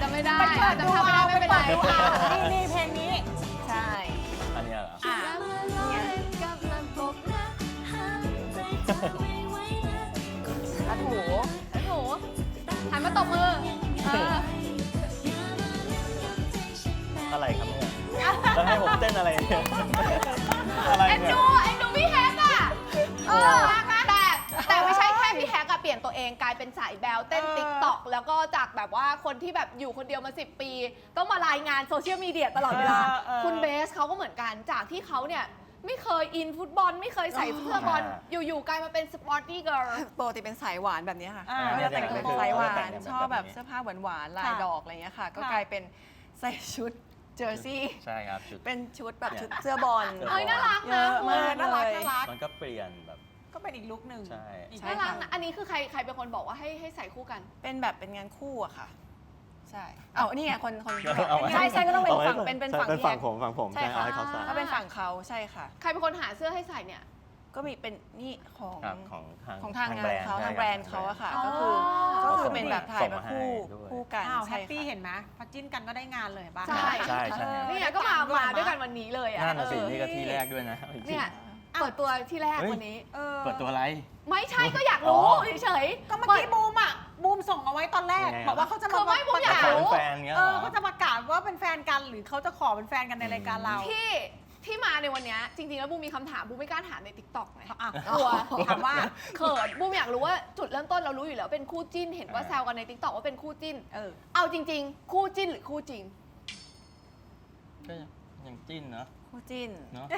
Speaker 5: จะไม่ได้
Speaker 1: ไปเปิ
Speaker 5: อา
Speaker 1: ด
Speaker 5: จจะ
Speaker 1: ดู
Speaker 5: ทำไม่
Speaker 1: เอา
Speaker 5: ได้
Speaker 1: ไป
Speaker 5: ไม่เป็น
Speaker 1: เปิ
Speaker 5: ไร
Speaker 1: ดดูเอานี่นี่เพลงนี้
Speaker 6: ใช่
Speaker 4: อันเนี้ยเหรอ
Speaker 1: อ่ะ
Speaker 6: อ่ะถู
Speaker 5: โอ้โหหันมาตบมือเออ
Speaker 4: อะไรครับเนี่ยแล้วให้ผมเต้นอะไรเนี่ยอะไร
Speaker 5: เอ็น
Speaker 4: เนี่ย
Speaker 5: ดูเอ็นดูพี่แฮกอะเออแต่แต่ไม่ใช่แค่พี่แฮกอะเปลี่ยนตัวเองกลายเป็นสายแบลเต้น
Speaker 1: เออ
Speaker 5: ติ๊กต็อกแล้วก็จากแบบว่าคนที่แบบอยู่คนเดียวมาสิบปี ต้องมารายงานโซเชียลมีเดียตลอดเวลา
Speaker 1: เออเออ
Speaker 5: คุณเบสเขาก็เหมือนกันจากที่เขาเนี่ยไม่เคยอินฟุตบอล ไม่เคยใส่เสื้อบอล อยู่ๆกลายมาเป็นสปอร์ตี้เกิร์ล
Speaker 6: ปกติเป็นสายหวานแบบนี้ค่ะ
Speaker 1: อ่า
Speaker 6: ก็จะแต่ง
Speaker 4: เนี่
Speaker 6: เป็
Speaker 4: ย
Speaker 6: นสายหวา
Speaker 4: แต่ง
Speaker 6: น
Speaker 4: แบบ
Speaker 6: ชอบแบบ
Speaker 4: แบบนี้
Speaker 6: เสื้อผ้าหวานๆลาย
Speaker 1: ค่ะ
Speaker 6: ดอกอะไรเงี้ยค่ะ ก็
Speaker 1: ค่ะ
Speaker 6: กลายเป็นใส่ชุดเจอร์ซี่
Speaker 4: ใช่ครับชุด
Speaker 6: เป็นชุดแบบชุดเสื้อบอล
Speaker 4: เสื้
Speaker 5: เอ้ยน่ารัก
Speaker 6: เย
Speaker 5: นะ
Speaker 6: อะ
Speaker 5: คุณ
Speaker 6: มาก
Speaker 1: น่ารัก
Speaker 6: เลย
Speaker 1: น่ารัก
Speaker 4: มันก็เปลี่ยนแบบ
Speaker 1: ก็เป็นอีกลุคหนึ่ง
Speaker 4: ใช่
Speaker 1: อีก
Speaker 6: ใช่
Speaker 5: น่ารักนะอันนี้คือใครใครเป็นคนบอกว่าให้ให้ใส่คู่กัน
Speaker 6: เป็นแบบเป็นงานคู่อะค่ะ ใช่ เอานี่ไงคนคน
Speaker 4: เอาไว้
Speaker 6: ใช่ใช่ก็ต้องเป็น
Speaker 4: อาไว้
Speaker 6: ฝั่งเป็นเป็นฝั่ง
Speaker 4: เป็น
Speaker 6: แย
Speaker 4: ฝั่ง
Speaker 6: ก
Speaker 4: ผมฝั่งผม
Speaker 6: ใช่
Speaker 4: ใช่
Speaker 6: ค่ะ
Speaker 4: เอาให้เขาใส่
Speaker 6: ก็เป็นฝั่งเขาใช่ค่ะ
Speaker 5: ใครเป็นคนหาเสื้อให้ใส่เนี่ย
Speaker 6: ก็มีเป็นนี่ของ
Speaker 4: ครับของทาง
Speaker 6: ของทางงานเขา
Speaker 4: ใช่
Speaker 6: ทางแบรนด์เขาอะค่ะ
Speaker 5: อ๋อ
Speaker 6: ก็คือก็คือเป็นแบบถ่ายมาคู่
Speaker 4: ส่งมาให้ด้วย
Speaker 6: คู่กัน
Speaker 1: อ้าวแฮ
Speaker 6: ใช่
Speaker 1: ปปี้
Speaker 6: ค่ะ
Speaker 1: เห็นไหมพอจิ้นกันก็ได้งานเลยบ้าง
Speaker 5: ใช่
Speaker 4: ใช่ใช่
Speaker 5: นี่ไงก็มามาด้วยกันวันนี้เลยอ่ะ
Speaker 4: นั่นน่ะสิ
Speaker 5: เออ
Speaker 4: นี่ก็ที่แรกด้วยนะจริงๆ
Speaker 5: เนี่ยเปิดตัวที่แรก
Speaker 4: เฮ้ย
Speaker 5: วันนี้
Speaker 1: เออ
Speaker 4: เปิดตัวอะไร
Speaker 5: ไม่ใช่ก็อยากรู้
Speaker 4: อ๋อ
Speaker 5: เฉยๆ
Speaker 1: ก็เมื่อกี้บูมอ่ะบูมส่งเอาไว้ตอนแรก
Speaker 4: ยังไงอะ
Speaker 1: บอกว่าเขาจะ
Speaker 5: คือไม่บูมอยาก
Speaker 4: ขอ
Speaker 5: รู้
Speaker 4: เป็นแฟนเงี้ย
Speaker 1: เอ
Speaker 4: เหร
Speaker 1: อ
Speaker 4: อ
Speaker 1: เขาจะประกาศว่าเป็นแฟนกันหรือเขาจะขอเป็นแฟนกันในรายการเรา
Speaker 5: ที่ที่มาในวันเนี้ยจริงๆแล้วบูมมีคำถามบูมไม่กล้าถามในติ๊กต็อกไง
Speaker 1: อ่ะ
Speaker 5: กลัว
Speaker 1: ถามว่า
Speaker 5: เขินบูมอยากรู้ว่าจุดเริ่มต้นเรารู้อยู่แล้วเป็นคู่จิ้นเห็นว่าแซวกันในติ๊กต็อกว่าเป็นคู่จิ้น
Speaker 1: เออ
Speaker 5: เอาจริง ๆ คู่จิ้นหรือคู่จริง
Speaker 4: ก็ยังจิ้นเนาะ
Speaker 6: คู่จิ้น
Speaker 4: เนาะ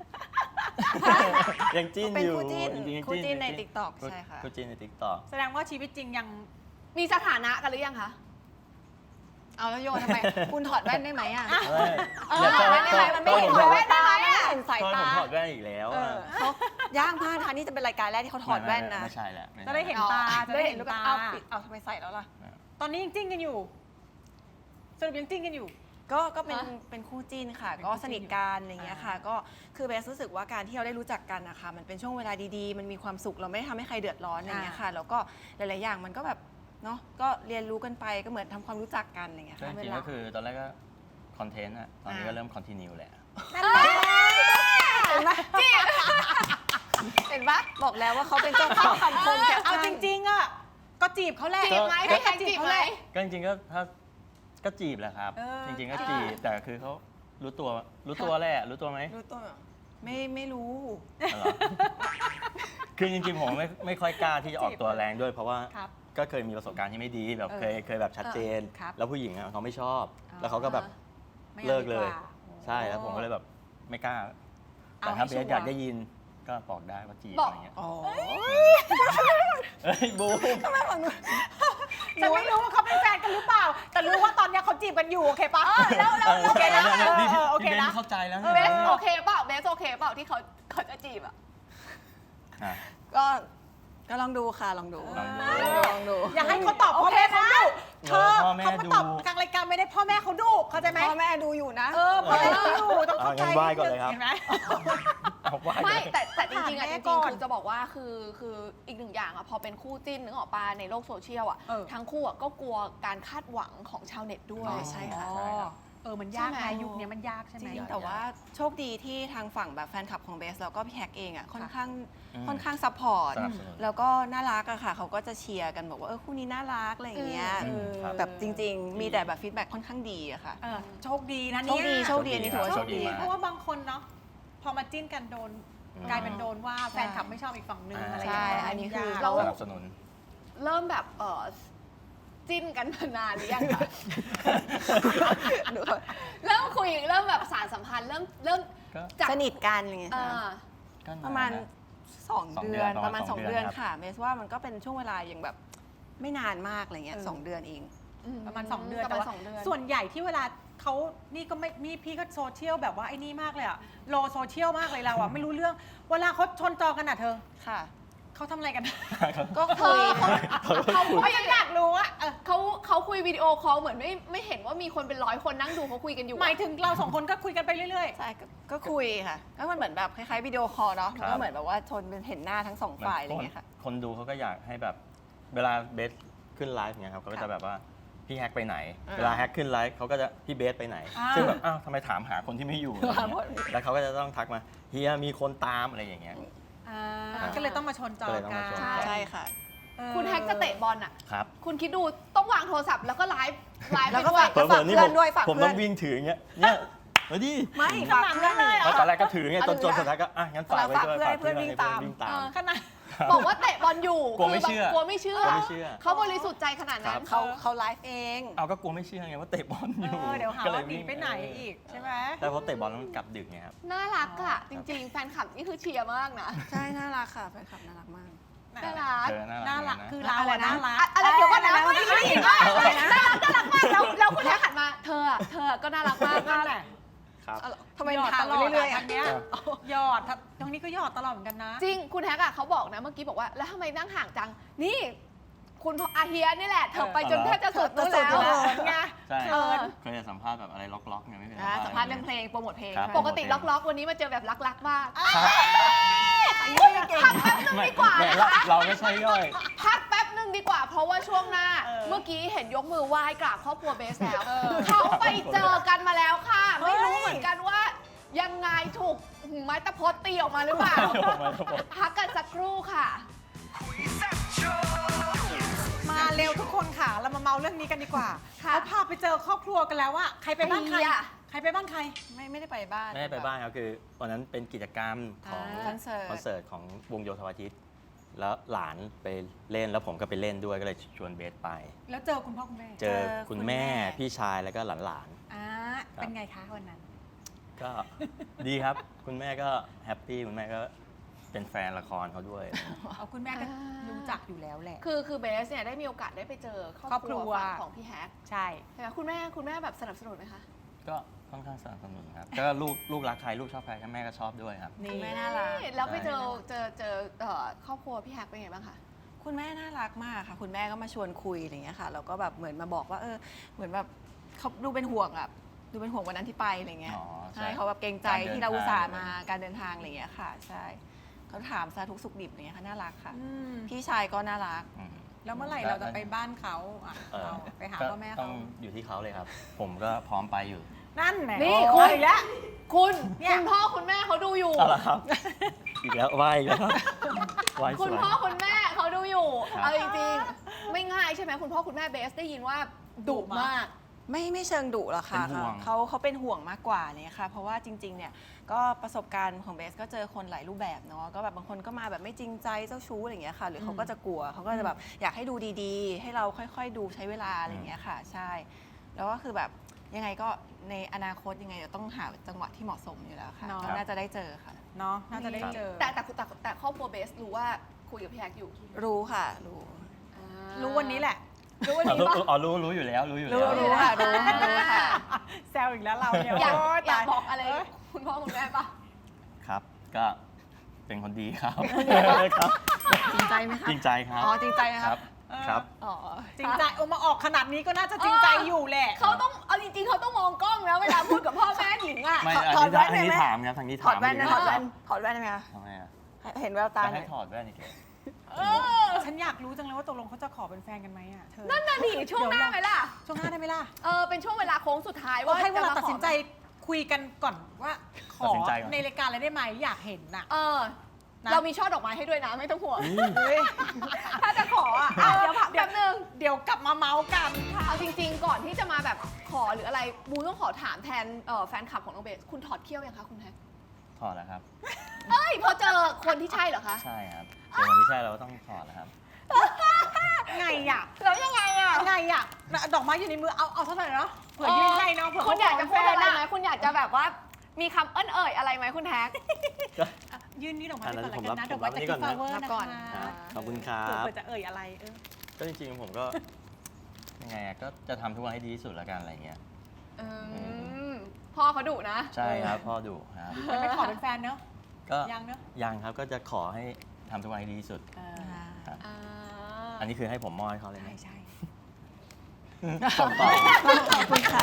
Speaker 4: ยังจิ้น
Speaker 6: เป็น
Speaker 4: อยู่
Speaker 6: คู่จิ้น
Speaker 4: จริงๆยัง
Speaker 6: คู่จิ้นใน
Speaker 4: ยัง
Speaker 6: TikTok ใช่ค่ะ
Speaker 4: คู่จิ้นในติ๊กต็อก
Speaker 1: แสดงว่าชีวิตจริงยัง
Speaker 5: มีสถานะกันหรือยังคะ
Speaker 6: เอาแล้วโยนทำไม คุณถอดแว่นได้ไหมอะ
Speaker 5: เออ
Speaker 6: ถอดแว่นได้ไหมมันไม่เห็น
Speaker 4: ถอด
Speaker 6: แว่นได้ไหมอะเห็นสาย
Speaker 4: ผม
Speaker 6: ตา
Speaker 4: ถอดแว่นอีกแล้ว
Speaker 6: เอ
Speaker 4: อะ
Speaker 6: อเขาย่างพลาดค่ะนี่จะเป็นรายการแรกที่เขาถอดแว่นนะ
Speaker 4: ไม่ใช่แหละม่ใช่
Speaker 1: จะได้เห็นตาจะได้เห็น
Speaker 6: ลูก
Speaker 1: ตา
Speaker 6: เอาปิดเอาทำไมใส่แล้วล่ะ
Speaker 1: ตอนนี้ยังจิ้นกันอยู่ สรุปยังจิ้นกันอยู่
Speaker 6: ก็ก็เป็น
Speaker 5: ฮะ
Speaker 6: เป็นคู่จิ้นค่ะ
Speaker 1: เป็น
Speaker 6: ก็
Speaker 1: คู่จิ้น
Speaker 6: สนิทกันอะไรอย่างเงี้ยค่ะ
Speaker 1: อ่า
Speaker 6: ก็คือเบสรู้สึกว่าการที่เราได้รู้จักกันนะคะมันเป็นช่วงเวลาดีๆ มันมีความสุขเราไม่ได้ทำให้ใครเดือดร้อนอะไรอย่างเงี้ยค่ะแล้วก็หลายๆอย่างมันก็แบบเนาะก็เรียนรู้กันไปก็เหมือนทำความรู้จักกันอะไรอย่างเงี้ย
Speaker 4: ก็
Speaker 6: ค่ะ
Speaker 4: จริงๆก็คือตอนแรกก็คอนเทนต์อะตอนนี้ก็เริ่มคอนติเนียแหละ
Speaker 6: เห็นไหมเห็นปะบอกแล้วว่าเขาเป็นเจ้าเข้าคำคมแก
Speaker 1: เอาจริงๆอ่ะก็จีบเขาแหละ
Speaker 5: จีบไหม
Speaker 4: ก็
Speaker 5: พี่แฮกจีบไหม
Speaker 4: ก็จริงๆก็ถ้าก็จีบแหละครับ
Speaker 1: เออ
Speaker 4: จริง ๆ ก็จีบแต่คือเขารู้ตัวรู้ตัวแหละรู้ตัวไหม
Speaker 6: รู้ตัวเหรอไม่ไม่รู้
Speaker 4: อ๋อเหรอคือจริงๆผมไม่ไม่ค่อยกล้าที่จะออกตัวแรงด้วย เพราะว่า
Speaker 1: ครับ
Speaker 4: ก็เคยมีประสบการณ์ที่ไม่ดีแบบ
Speaker 1: เออ
Speaker 4: เคยเคยแบบชัดเจน
Speaker 1: ครับ
Speaker 4: แล้วผู้หญิงอะเขาไม่ชอบ
Speaker 1: อ๋อ
Speaker 4: แล้วเขาก็แบบ
Speaker 1: ไม่
Speaker 4: เลิ
Speaker 1: อาก
Speaker 4: เลย
Speaker 1: ดีว่า
Speaker 4: ใช่แล้วผมก็เลยแบบไม่กล้า
Speaker 1: เอา
Speaker 4: แต่ถ้า
Speaker 1: ให้
Speaker 4: เบ
Speaker 1: ชัว
Speaker 4: ส
Speaker 1: ร์
Speaker 4: อยากได้ยินก็บอกได้ว่าจีบ
Speaker 5: บอก
Speaker 4: อะไรเงี้ย
Speaker 6: อ๋อ
Speaker 4: เอ้ยบูม
Speaker 1: ฉันไม่รู้ว่าเขาเป็นแฟนกันหรือเปล่า แต่รู้ว่าตอนเนี้ยเขาจีบกันอยู่โอเคปะแล้วแล้ว
Speaker 4: โอเคนะ
Speaker 1: เออ
Speaker 4: พี่
Speaker 1: เออโอเค
Speaker 4: พี่เบ
Speaker 1: นะ
Speaker 4: นเข้าใจแล้ว
Speaker 5: เบสโอเคเปล่าเบสโอเคเปล่าที่เขาเขาจะจีบอ่ะ
Speaker 4: อ่ะ
Speaker 6: ก็ก็ลองดูค่ะลองดู
Speaker 4: ลองดู
Speaker 6: ลองดู
Speaker 1: อย่าให้เขาตอบพ่อแม่เขาดุเธอ
Speaker 4: พ่อแม่
Speaker 1: เขามาตอบ
Speaker 4: ดู
Speaker 1: กลางรายการไม่ได้พ่อแม่เขาดุเข้าใจไหม
Speaker 6: พ่อแม่ดูอยู่นะ
Speaker 1: เออพ่อแม่ดูอยู่ต้องเข้าใจ
Speaker 4: เอางั้นไหว้ก่อนเลยครับ
Speaker 1: เห็นไหม
Speaker 4: เอาว่า
Speaker 5: ไม่
Speaker 4: เลย
Speaker 5: แต่แต่จริงๆอ่ะ
Speaker 1: ถามแม่
Speaker 5: จ
Speaker 1: ก่
Speaker 5: ริง
Speaker 1: อน
Speaker 5: ๆคือจะบอกว่าคือคืออีกหนึ่งอย่างอ่ะพอเป็นคู่จิ้นนึกออกปาในโลกโซเชียลอ่ะ
Speaker 1: เออ
Speaker 5: ทั้งคู่อ่ะก็กลัวการคาดหวังของชาวเน็ตด้วย
Speaker 6: อ๋อใช่ค่ะ
Speaker 1: อ๋อเออมันยาก
Speaker 5: ใช่
Speaker 1: นะ
Speaker 5: ไหม
Speaker 1: ยุคนี้มันยากใช่ไหม
Speaker 6: จริงแต่ว่าโชคดีที่ทางฝั่งแบบแฟนคลับของเบสแล้วก็พี่แฮกเองอ่ะค่อนข้าง
Speaker 4: อืม
Speaker 6: ค่อนข้างซัพพอร์ต
Speaker 4: สนับสนุน
Speaker 6: แล้วก็น่ารักอะค่ะเขาก็จะเชียร์กันบอกว่าเออคู่นี้น่ารักอะไรอย่างเงี้ย
Speaker 4: อืมครับ
Speaker 6: แบบจริง ๆ มีแต่แบบฟีดแบ็ค่อนข้างดีอะค่ะ
Speaker 1: เออโชคดีนะ
Speaker 6: โช
Speaker 1: เนี่ย
Speaker 6: คดีโชคดีอันนี้ถือว่า
Speaker 1: โช
Speaker 6: โช
Speaker 1: ค
Speaker 6: ค
Speaker 1: ดี
Speaker 6: ดี
Speaker 1: เพราะว่าบางคนเนาะพอมาจิ้นกันโดน
Speaker 4: อืม
Speaker 1: กลายเป็นโดนว่าแฟนคลับไม่ชอบอีกฝั่งหนึ่ง
Speaker 4: อ่า
Speaker 1: อะไรอย่างเงี้ย
Speaker 6: ใช่อันนี้คือ
Speaker 1: ยาก
Speaker 5: เรา
Speaker 4: สนับสนุน
Speaker 5: เริ่มแบบเออจิ้นกันมานานหรือยังคะ เริ่มคุยเริ่มแบบสารสัมพันธ์เริ่มเริ่ม
Speaker 4: ก็
Speaker 5: จาก
Speaker 6: สนิทกันอะไรเงี้ย
Speaker 5: เอ
Speaker 6: ค่ะ
Speaker 5: อ
Speaker 4: ก็นน
Speaker 6: ประมาณ
Speaker 4: น
Speaker 6: สอง
Speaker 4: สอง
Speaker 6: เดื
Speaker 4: เดื
Speaker 6: อ
Speaker 4: อน น
Speaker 6: ประมาณ
Speaker 4: ประมาณ
Speaker 6: สอง
Speaker 4: สองเดื
Speaker 6: เดื
Speaker 4: อ
Speaker 6: อน น
Speaker 4: ครับ
Speaker 6: ค่ะเบสว่ามันก็เป็นช่วงเวลาอย่างแบบไม่นานมากอะไรเงี้ย
Speaker 1: เออ
Speaker 6: สองเดือนเอง
Speaker 1: ประมาณสองเดือน
Speaker 5: ประ
Speaker 1: แต่
Speaker 5: มาณ
Speaker 1: ว่า
Speaker 5: สองเดือน
Speaker 1: ส่วนใหญ่ที่เวลาเขานี่ก็ไม่มีพี่ก็โซเชียลแบบว่าไอ้นี่มากเลยอะโลโซเชียลมากเลยเราอะไม่รู้เรื่อง เวลาเขาชนจอกันอะเธอ
Speaker 6: ค่ะ
Speaker 1: เขาทำอะไรกัน
Speaker 6: ก็
Speaker 5: เธ
Speaker 6: คุย
Speaker 5: อเขาเขา
Speaker 1: เขายังอยากรู้อะเออ
Speaker 5: เขาเขาคุยวิดีโอคอลเหมือนไม่ไม่เห็นว่ามีคนเป็นร้อยคนนั่งดูเขาคุยกันอยู่
Speaker 1: หมายถึงเราสองคนก็คุยกันไปเรื่อย
Speaker 6: ใช่ก็ก็คุยค่ะก็มันเหมือนแบบคล้ายๆวิดีโอคอลเนาะมัน
Speaker 4: ครั
Speaker 6: ก็
Speaker 4: บ
Speaker 6: เหมือนแบบว่าชนเป็นเห็นหน้าทั้งสองฝ่ายอะไรเงี้ยค่ะ
Speaker 4: คนดูเขาก็อยากให้แบบเวลาเบสขึ้นไลฟ์เนี่ยครับเขาก็จะแบบว่าพี่แฮกไปไหน
Speaker 6: อ่า
Speaker 4: เวลาแฮกขึ้นไลฟ์เขาก็จะพี่เบสไปไหน
Speaker 1: อ่า
Speaker 4: ซึ่งแบบอ้าวทำไมถามหาคนที่ไม่อยู่อะไรเงี้ยแล้วเขาก็จะต้องทักมาเฮียมีคนตามอะไรอย่างเงี้ย
Speaker 1: อ่าก็เลยต้องมาชนจอ
Speaker 4: ก็เลยต้อง
Speaker 1: กั
Speaker 4: มาน ชน
Speaker 6: ใช่ค่ะ
Speaker 1: เออ
Speaker 5: คุณแฮกจะเตะบอลอ่ะ
Speaker 4: ครับ
Speaker 5: คุณคิดดูต้องวางโทรศัพท์แล้วก็ไลฟ์ไลฟ์
Speaker 6: แล้
Speaker 5: ไป
Speaker 6: วก็
Speaker 5: ด้วย
Speaker 6: ฝาก
Speaker 4: เผลอๆนี่ผม
Speaker 6: เพื่อนด้วยฝาก
Speaker 4: ผม
Speaker 6: เพื่
Speaker 4: ต้
Speaker 6: อ
Speaker 4: อน งวิ่งถืออย่างเงี้ยเนี่ยมาดิ
Speaker 6: ไม่ฝากเพื่อนเลย
Speaker 4: แล้วตอนแรกก็ถือไงจนจน
Speaker 6: เอา
Speaker 4: สุดท้ายก็อ่ะงั้นฝากไว้ด้วย
Speaker 6: ฝากเพื่อนให้เพื่อนวิ่งตาม
Speaker 4: วิ่งตาม
Speaker 5: เออ
Speaker 1: ขนาด
Speaker 5: บอกว่าเตะบอลอยู่
Speaker 4: กลัวไม่
Speaker 5: คื
Speaker 4: เชื่อ
Speaker 5: แบบกลัวไม่เชื่อก
Speaker 4: ลัวไม่เชื่อ
Speaker 5: เขาบริสุทธิ์ใจขนาดนั้น
Speaker 4: ครับ
Speaker 6: เขาเขาไลฟ์เอง
Speaker 4: เอาก็กลัวไม่เชื่อไงว่าเตะบอลอ
Speaker 1: เอยู่ อเดี๋ยวหา
Speaker 4: ก็เล
Speaker 1: ว่าย หนี
Speaker 4: วิ่ง
Speaker 1: ไปไหนอีกใช่ไหม
Speaker 4: แต่พอเตะบอลแล้วมันกลับดึกไงครับ
Speaker 5: น่ารักอ่ะ จริง ๆ แฟนคลับนี่คือเชียร์มากนะ
Speaker 6: ใช่น่ารักค่ะแฟนคลับน่ารักมาก
Speaker 5: น่ารัก
Speaker 4: เจอน่า
Speaker 1: น่า
Speaker 4: รั
Speaker 1: รั
Speaker 4: ก
Speaker 1: ก
Speaker 4: นะ
Speaker 1: คือเรา
Speaker 6: อะไร
Speaker 1: อะ
Speaker 6: นะ
Speaker 1: น่ารัก
Speaker 5: อะอะไรเดี๋ยวก่อนนะ
Speaker 6: อะไรนะ
Speaker 5: ไม่ได้ยินว่าอะไรนะน่ารักน่ารักมากแล้วแล้วคุณแท็กหันมาเธออะเธอก็น่ารักมาก
Speaker 1: นั่นแหละ
Speaker 4: ครับ
Speaker 6: ทำไม
Speaker 1: หยอด
Speaker 6: ถา
Speaker 1: ต
Speaker 6: ม
Speaker 1: ลอด
Speaker 6: เรื่อยๆ
Speaker 1: อะ
Speaker 6: อ่ะ
Speaker 1: ทางเนี้ยหยอดตรงนี้ก็หยอดตลอดเหมือนกันนะ
Speaker 5: จริงคุณแท็กอะเขาบอกนะเมื่อกี้บอกว่าแล้วทำไมนั่งห่างจังนี่ คุณพ่ออาเฮียนี่แหละเธอไปจนแทบจะสุดนู่น
Speaker 6: จะสุด
Speaker 5: แล้ว
Speaker 6: อยู่แล้ว
Speaker 1: ไง
Speaker 4: ใช่
Speaker 5: เออ
Speaker 4: เคยจะสัมภาษณ์แบบอะไรล็อกๆเนี่ยไม่เคย
Speaker 5: อ่าสัมภาษณ์เรื่องเพลงโปรโมทเพลง
Speaker 4: ครับ
Speaker 5: ปกติล็อกๆวันนี้มาเจอแบบรักๆมาก
Speaker 4: ครับ
Speaker 5: พักแป๊บนึงดีกว่า
Speaker 4: ไม่
Speaker 5: นะ
Speaker 4: เรา
Speaker 5: คะ
Speaker 4: เราไม่ใช่ย่อย
Speaker 5: พักแป๊บนึงดีกว่า เพราะว่าช่วงหน้า
Speaker 1: เออ
Speaker 5: เมื่อกี้เห็นยกมือไหว้กราบครอบครัวเบสแล้วเขาไปเจอกันมาแล้วค่ะ ไม่รู้เหมือนกันว่า ยังไงถูกไม้ตะพดตีออกมาหรือเปล่า พักกันสักครู่ค่ะ
Speaker 1: มาเร็วทุกคนค่ะ เรามาเมาเรื่องนี้กันดีกว่า
Speaker 5: ค่ะ
Speaker 1: เขาพาไปเจอครอบครัวกันแล้วว่าใครไปบ้านใคร
Speaker 5: ใครอะ
Speaker 1: ใครไปบ้านใคร
Speaker 6: ไม่ไม่ได้ไปบ้าน
Speaker 4: ไม่ได้ไปบ้านครับคือวันนั้นเป็นกิจกรรมของ
Speaker 6: คอนเสิร์ต
Speaker 4: คอนเสิร์ตของวงโยธวาทิตแล้วหลานไปเล่นแล้วผมก็ไปเล่นด้วยก็เลยชวนเบสไป
Speaker 1: แล้วเจอคุณพ่อคุณแม่
Speaker 4: เจอ
Speaker 6: เจอ
Speaker 4: คุณ
Speaker 6: คุณ
Speaker 4: แม่
Speaker 6: แม่
Speaker 4: พี่ชายแล้วก็หลาน
Speaker 1: อ่าเป็นไงคะวันนั้น
Speaker 4: ๆก็ ดีครับ คุณแม่ก็แฮปปี้คุณแม่ก็เป็นแฟนละครเขาด้วย
Speaker 1: เอาคุณแม่ก็
Speaker 5: อ่ารู้
Speaker 1: รู้จักอยู่แล้วแหละ
Speaker 5: คือคือเบสเนี่ยได้มีโอกาสได้ไปเจอครอบ
Speaker 1: ครอบ
Speaker 5: ค
Speaker 1: ครั
Speaker 5: รั
Speaker 1: ว
Speaker 5: วฝั่งของพี่แฮก
Speaker 1: ใช่
Speaker 5: ใช่ไหมคุณแม่คุณแม่แบบสนับสนุนไหมคะ
Speaker 4: ก็ค่อนข้างสนับสนุนครับก็ลูกลูกรักใครลูกชอบใครก็แม่ก็ชอบด้วยครับ
Speaker 1: นี่
Speaker 6: คุณแม่น่ารัก
Speaker 5: แล้วไปเจอเจอเจอเอ่อครอบครัวพี่แฮกเป็นไงบ้างคะ
Speaker 6: คุณแม่น่ารักมากค่ะ คุณแม่ก็มาชวนคุยอะไรอย่างเงี้ยค่ะแล้วก็แบบเหมือนมาบอกว่าเออเหมือนแบบเขาดูเป็นห่วงอะดูเป็นห่วงวันนั้นที่ไปอะไรเงี้ย
Speaker 4: อ๋อใช่
Speaker 6: ใช่เขาแบบเกรงใจ
Speaker 4: การเดิน
Speaker 6: ที่เราอุตส่าห์
Speaker 4: ทาง
Speaker 6: มาการเดินทางอะไรเงี้ยค่ะ ใช่เขาถามสารทุกข์สุขดิบอะไรเงี้ยค่ะน่ารักค่ะ
Speaker 1: อืม
Speaker 6: พี่ชายก็น่ารัก
Speaker 4: อืม
Speaker 1: แล้วเมื่อไหร่เราจะไปบ้านเขาอ่ะ
Speaker 4: เออ
Speaker 1: เอาไปหา
Speaker 4: ก็
Speaker 1: พ่อแม่
Speaker 4: ต้
Speaker 1: เขา
Speaker 4: องอยู่ที่เขาเลยครับ ผมก็พร้อมไปอยู่
Speaker 1: นั่นแหละ
Speaker 5: นี่
Speaker 1: โอ้
Speaker 5: คุณ
Speaker 1: ยอีกแล้ว
Speaker 5: คุณ
Speaker 1: เนี่ย
Speaker 5: คุณพ่อคุณแม่เขาดูอยู่
Speaker 4: เอาละครับ อีกแล้วไหวอีกแล้วไหวส
Speaker 5: คุณ
Speaker 4: วย
Speaker 5: พ่อคุณแม่เขาดูอยู่
Speaker 4: ครับ
Speaker 5: เอาจริงๆไม่ง่ายใช่ไหมคุณพ่อคุณแม่เบสได้ยินว่าดุมาก
Speaker 6: ไม่ไม่เชิงดุหรอกค่ะ
Speaker 4: เป็นห่วง
Speaker 6: เขาเขาเป็นห่วงมากกว่าเนี่ยค่ะ เพราะว่าจริงๆเนี่ยก็ประสบการณ์ของเบสก็เจอคนหลายรูปแบบเนาะก็แบบบางคนก็มาแบบไม่จริงใจเจ้าชู้อะไรอย่างเงี้ยค่ะ หรือเขาก็จะกลัวเขาก็จะแบบอยากให้ดูดีๆ ให้เราค่อยๆ ดูใช้เวลาอะไรอย่างเงี้ยค่ะ ใช่ แล้วก็คือแบบยังไงก็ในอนาคตยังไงเดี๋ยวต้องหาจังหวะที่เหมาะสมอยู่แล้วค่ะ
Speaker 1: เนาะ
Speaker 6: ก็น่าจะได้เจอค่ะ
Speaker 1: เนาะน่าจะได้เจอ
Speaker 5: แต่แต่แต่แต่ครอบครัวเบสรู้ว่าคุยกับพี่แฮกอยู่
Speaker 6: รู้ค่ะรู้
Speaker 5: อ่า
Speaker 1: รู้วันนี้แหละ
Speaker 5: รู้วัน
Speaker 4: อ๋อ
Speaker 5: นี้
Speaker 4: รู้
Speaker 5: ปะ
Speaker 4: อ๋อรู้รู้อยู่แล้วรู้อยู่
Speaker 6: รู้
Speaker 4: แล้ว
Speaker 6: รู้ค่ะรู้รู้ค่ะ
Speaker 1: แซวอีกแล้วเราเนี่ย
Speaker 5: อยาก
Speaker 1: โ
Speaker 5: อยาก
Speaker 1: ต
Speaker 5: บอกอะไรคุณพ่อคุณแม่ปะ
Speaker 4: ครับ ก็เป็นคนดีครับครับ
Speaker 6: จริงใจไหมคะ
Speaker 4: จริงใจครับ
Speaker 6: อ๋อจริงใจนะ
Speaker 4: ค
Speaker 6: ค
Speaker 4: รั
Speaker 6: รั
Speaker 4: บบ ครับ
Speaker 6: อ๋อ
Speaker 1: จริงใจเอามาออกขนาดนี้ก็น่าจะจริงใจอยู่แหละ
Speaker 5: เขาต้องเอาจริงๆเขาต้องมองกล้องนะเวลาพูดกับพ่อแม่หญิงอ่ะ
Speaker 4: ไม่
Speaker 6: ถอด
Speaker 4: อันนี้
Speaker 6: แว่นได้ไหม
Speaker 4: ทางนี้ถามครับทางนี้
Speaker 6: ถ
Speaker 4: ถาม
Speaker 6: อดแว่นนะ
Speaker 4: ยู่
Speaker 6: ถอดแว่นถอดแว่นได้ไหมคะ
Speaker 4: ทำไมอ่ะ
Speaker 6: เห็นแววตา
Speaker 4: จะ
Speaker 6: หน่
Speaker 4: ให้
Speaker 6: อย
Speaker 4: ถอดแว่นอีกเหรอ
Speaker 1: ฉันอยากรู้จังเลยว่าตกลงเขาจะขอเป็นแฟนกันไหมอ่ะเธอ
Speaker 5: นั่นน่ะดิช่วงหน้าไหมล่ะ
Speaker 1: ช่วงหน้าได้ไหมล่ะ
Speaker 5: เออเป็นช่วงเวลาโค้งสุดท้ายว่า
Speaker 1: ว่าให้เวลา
Speaker 5: จะม
Speaker 1: ตัดสินใจ
Speaker 5: ขอ
Speaker 1: คุยกันก่อนว่าข
Speaker 4: ตัด
Speaker 1: อ
Speaker 4: สินใจก่อน
Speaker 1: ในรายการอะไรได้ไหมอยากเห็นน่ะ
Speaker 5: เออ
Speaker 1: นะ
Speaker 5: เรามีช่อดอกไม้ให้ด้วยนะไม่ต้องห่วง
Speaker 4: อุ๊ย
Speaker 1: ถ้าจะขออ่ะอ่ะเดี๋ยวพัก
Speaker 5: แป๊บนึง
Speaker 1: เดี๋ยวกลับมาเมาส์กัน
Speaker 5: เอาจริงๆ ก่อนที่จะมาแบบขอหรืออะไรบูต้องขอถามแทนเอ่อแฟนคลับของน้องเบสคุณถอดเขี้ยวยังคะคุณแฮก
Speaker 4: ถอดแล้วครับ
Speaker 5: เอ้ยพอเจอคนที่ใช่เหรอคะ
Speaker 4: ใช่ครับเดี๋ยววันนี้ใช่เราก็ต้องถอดแล้วครับ
Speaker 1: ไงอ่ะ
Speaker 5: แล้วยังไงอ่ะ
Speaker 1: ไงอ่ะดอกไม้อยู่ในมือเอาเอาเท่าไหร่เนาะเผื่อยื่นให้เนาะเผื่อ
Speaker 5: คุณอยากจะพูดอะไรไหม
Speaker 1: นะ
Speaker 5: คุณอยากจะแบบว่ามีคำเอิ้นเอ่ยอะไรไหมคุณแฮก
Speaker 1: ยื่นนี่ดอกไม้
Speaker 4: อัน
Speaker 1: ไป
Speaker 4: นั้น
Speaker 1: ก่อนแล้วกันนะ
Speaker 4: ผม
Speaker 1: ด
Speaker 4: รั
Speaker 1: อบ กไม้จาก
Speaker 4: ผม
Speaker 1: กิ
Speaker 4: รับ
Speaker 1: ฟต์ฟลาเวอร์
Speaker 6: รับ
Speaker 1: นะ
Speaker 6: ก่อน
Speaker 1: คะ
Speaker 4: ขอบคุณครั
Speaker 1: เผื่อบ เผื่อจะเอ่ยอะไรเออ
Speaker 4: ก็จริงๆผมก็ ยังไงอะก็จะทำทุกวันให้ดีที่สุดแล้วกันอะไรเงี้ย
Speaker 5: อืมพ่อเขาดุนะ
Speaker 4: ใช่ครับพ่อดุครับ
Speaker 1: ยังไม่ขอเป็นแฟนเนาะ
Speaker 4: ก็
Speaker 1: ยังเนอะ
Speaker 4: ยังครับก็จะขอให้ทำทุกวันให้ดีที่สุด
Speaker 1: เออ
Speaker 4: ครับ
Speaker 5: อ่า
Speaker 4: อันนี้คือให้ผมมอบให้เขาเลย
Speaker 1: ใช่
Speaker 4: นะ
Speaker 1: ใช่
Speaker 4: ส่งต่อ
Speaker 6: ขอบคุณค่ะ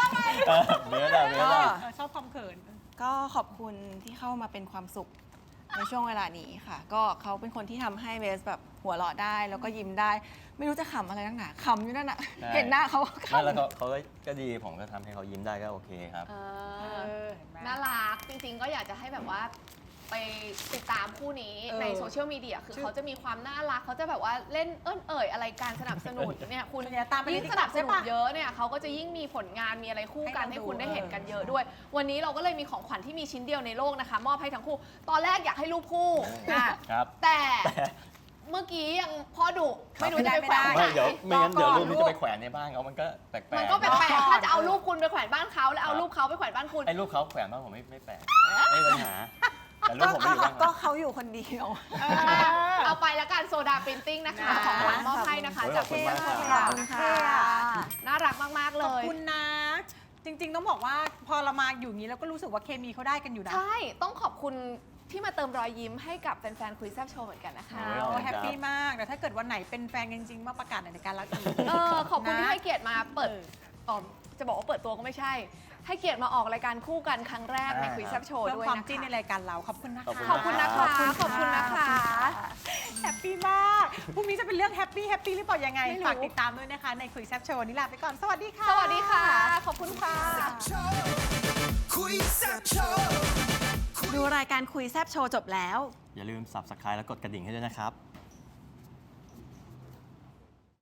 Speaker 4: เออเบสอะเบสอะ
Speaker 1: เออชอบความเขิน
Speaker 6: ก็ขอบคุณที่เข้ามาเป็นความสุขในช่วงเวลานี้ค่ะ ก็เขาเป็นคนที่ทำให้เบสแบบหัวเราะได้แล้วก็ยิ้มได้ ไม่รู้จะขำอะไรนักหนาขำอยู่นั่นน่ะ
Speaker 4: ใช่
Speaker 6: เห็นหน้าเขาก็
Speaker 4: ไม่แล้ว
Speaker 6: ขำ
Speaker 4: เขาเขาก็ก็ดีผมก็ทำให้เขายิ้มได้ก็โอเคครับ
Speaker 5: เอ
Speaker 1: เอ
Speaker 5: อ
Speaker 1: อเห็นไหม
Speaker 5: น่ารักจริงๆก็อยากจะให้แบบว่าไปติดตามคู่นี้
Speaker 1: เออ
Speaker 5: ในโซเชียลมีเดียคือ
Speaker 1: ชื่อ
Speaker 5: เขาจะมีความน่ารักเขาจะแบบว่าเล่นเอิ้นเอ่ยอะไรการสนับสนุนเนี่ยคุณ
Speaker 1: เนี่ยตามไปใน
Speaker 5: ยิ่ง
Speaker 1: TikTok
Speaker 5: สนับสนุน
Speaker 1: ใช่ปะ
Speaker 5: เยอะเนี่ยเขาก็จะยิ่งมีผลงานมีอะไรคู่กัน
Speaker 1: ให้
Speaker 5: ให้
Speaker 1: เราดู
Speaker 5: คุณได้เห็นกัน
Speaker 1: เออ
Speaker 5: เยอะด้วย วันนี้เราก็เลยมีของขวัญที่มีชิ้นเดียวในโลกนะคะ มอบให้ทั้งคู่ ตอนแรกอยากให้รูปคู่อ่ะ
Speaker 4: ครับ
Speaker 5: แต่เมื่อกี้ยังพ่อดุไม่รู้จะไปแขวน
Speaker 4: ไม่
Speaker 5: ไหน
Speaker 4: เดี๋ยวไม่งั้น
Speaker 1: รอก่อน
Speaker 4: เดี๋ยวรูปนี้
Speaker 1: ลูก
Speaker 4: จะไปแขวนในบ้านเขามันก็แปลกๆ
Speaker 5: มันก็แปลกๆถ้าจะเอารูปคุณไปแขวนบ้านเขาแล้วเอารูปเขาไปแขวนบ้านคุณ
Speaker 4: ไอ้รูปเขาแขวนบ้านผมไม่ไม่แปลกไม่มีปัญหาแต่รูปผมไม่อยู่บ้าน
Speaker 6: ก็
Speaker 4: เขา
Speaker 6: เขาอยู่คนเดียว
Speaker 5: เอาไปแล้วกันโซดาปรินติ้งนะคะ
Speaker 1: นะ
Speaker 5: ของขวัญมอบให้นะคะ
Speaker 4: โอ้ย
Speaker 5: จาก
Speaker 4: ขอบคุณมากครับ
Speaker 5: ค่ะ
Speaker 6: ขอบคุณค่ะ
Speaker 5: น่ารักมาก ๆ เล
Speaker 1: ขอบ
Speaker 5: ย
Speaker 1: คุณนะ จริงๆต้องบอกว่าพอเรามาอยู่อย่างนี้แล้วก็รู้สึกว่าเคมีเขาได้กันอยู่นะ
Speaker 5: ใช่ ต้องขอบคุณที่มาเติมรอยยิ้มให้กับแฟน ๆ คุยแซบโชว์เหมือนกันนะคะ
Speaker 4: โอ้ย
Speaker 1: โอ้แฮปปี้มากแต่ถ้าเกิดวันไหนเป็นแฟนกันจริงๆมาประกาศในรายการเราอีก
Speaker 5: เออ ขอบคุณที่ให้เกียรติมาเปิด
Speaker 1: เออ
Speaker 5: อ๋อจะบอกว่าเปิดตัวก็ไม่ใช่ ให้เกียรติมาออกรายการคู่กันครั้งแรกในคุยแซบโชว์
Speaker 1: เพิ่ม
Speaker 5: ด้วย
Speaker 1: ความ
Speaker 5: นะ
Speaker 1: จิ้นใน
Speaker 5: คะ
Speaker 1: รายการเราขอบคุณนะคะ
Speaker 5: ขอบคุณนะคะ ขอบคุณนะคะ
Speaker 1: แฮปปี้มากพรุ่งนี้จะเป็นเรื่องแฮปปี้แฮปปี้หรือเปล่ายังไง
Speaker 5: ไม่รู้
Speaker 1: ฝากติดตามด้วยนะคะในคุยแซบโชว์วันนี้ลาไปก่อนสวัสดีค่ะ
Speaker 5: สวัสดีค่ะ ขอบคุณค่ะ
Speaker 3: คุยแซ่บโชว์
Speaker 6: ดูรายการคุยแซบโชว์จบแล้ว
Speaker 4: อย่าลืม Subscribe แล้วกดกระดิ่งให้ด้วยนะครับ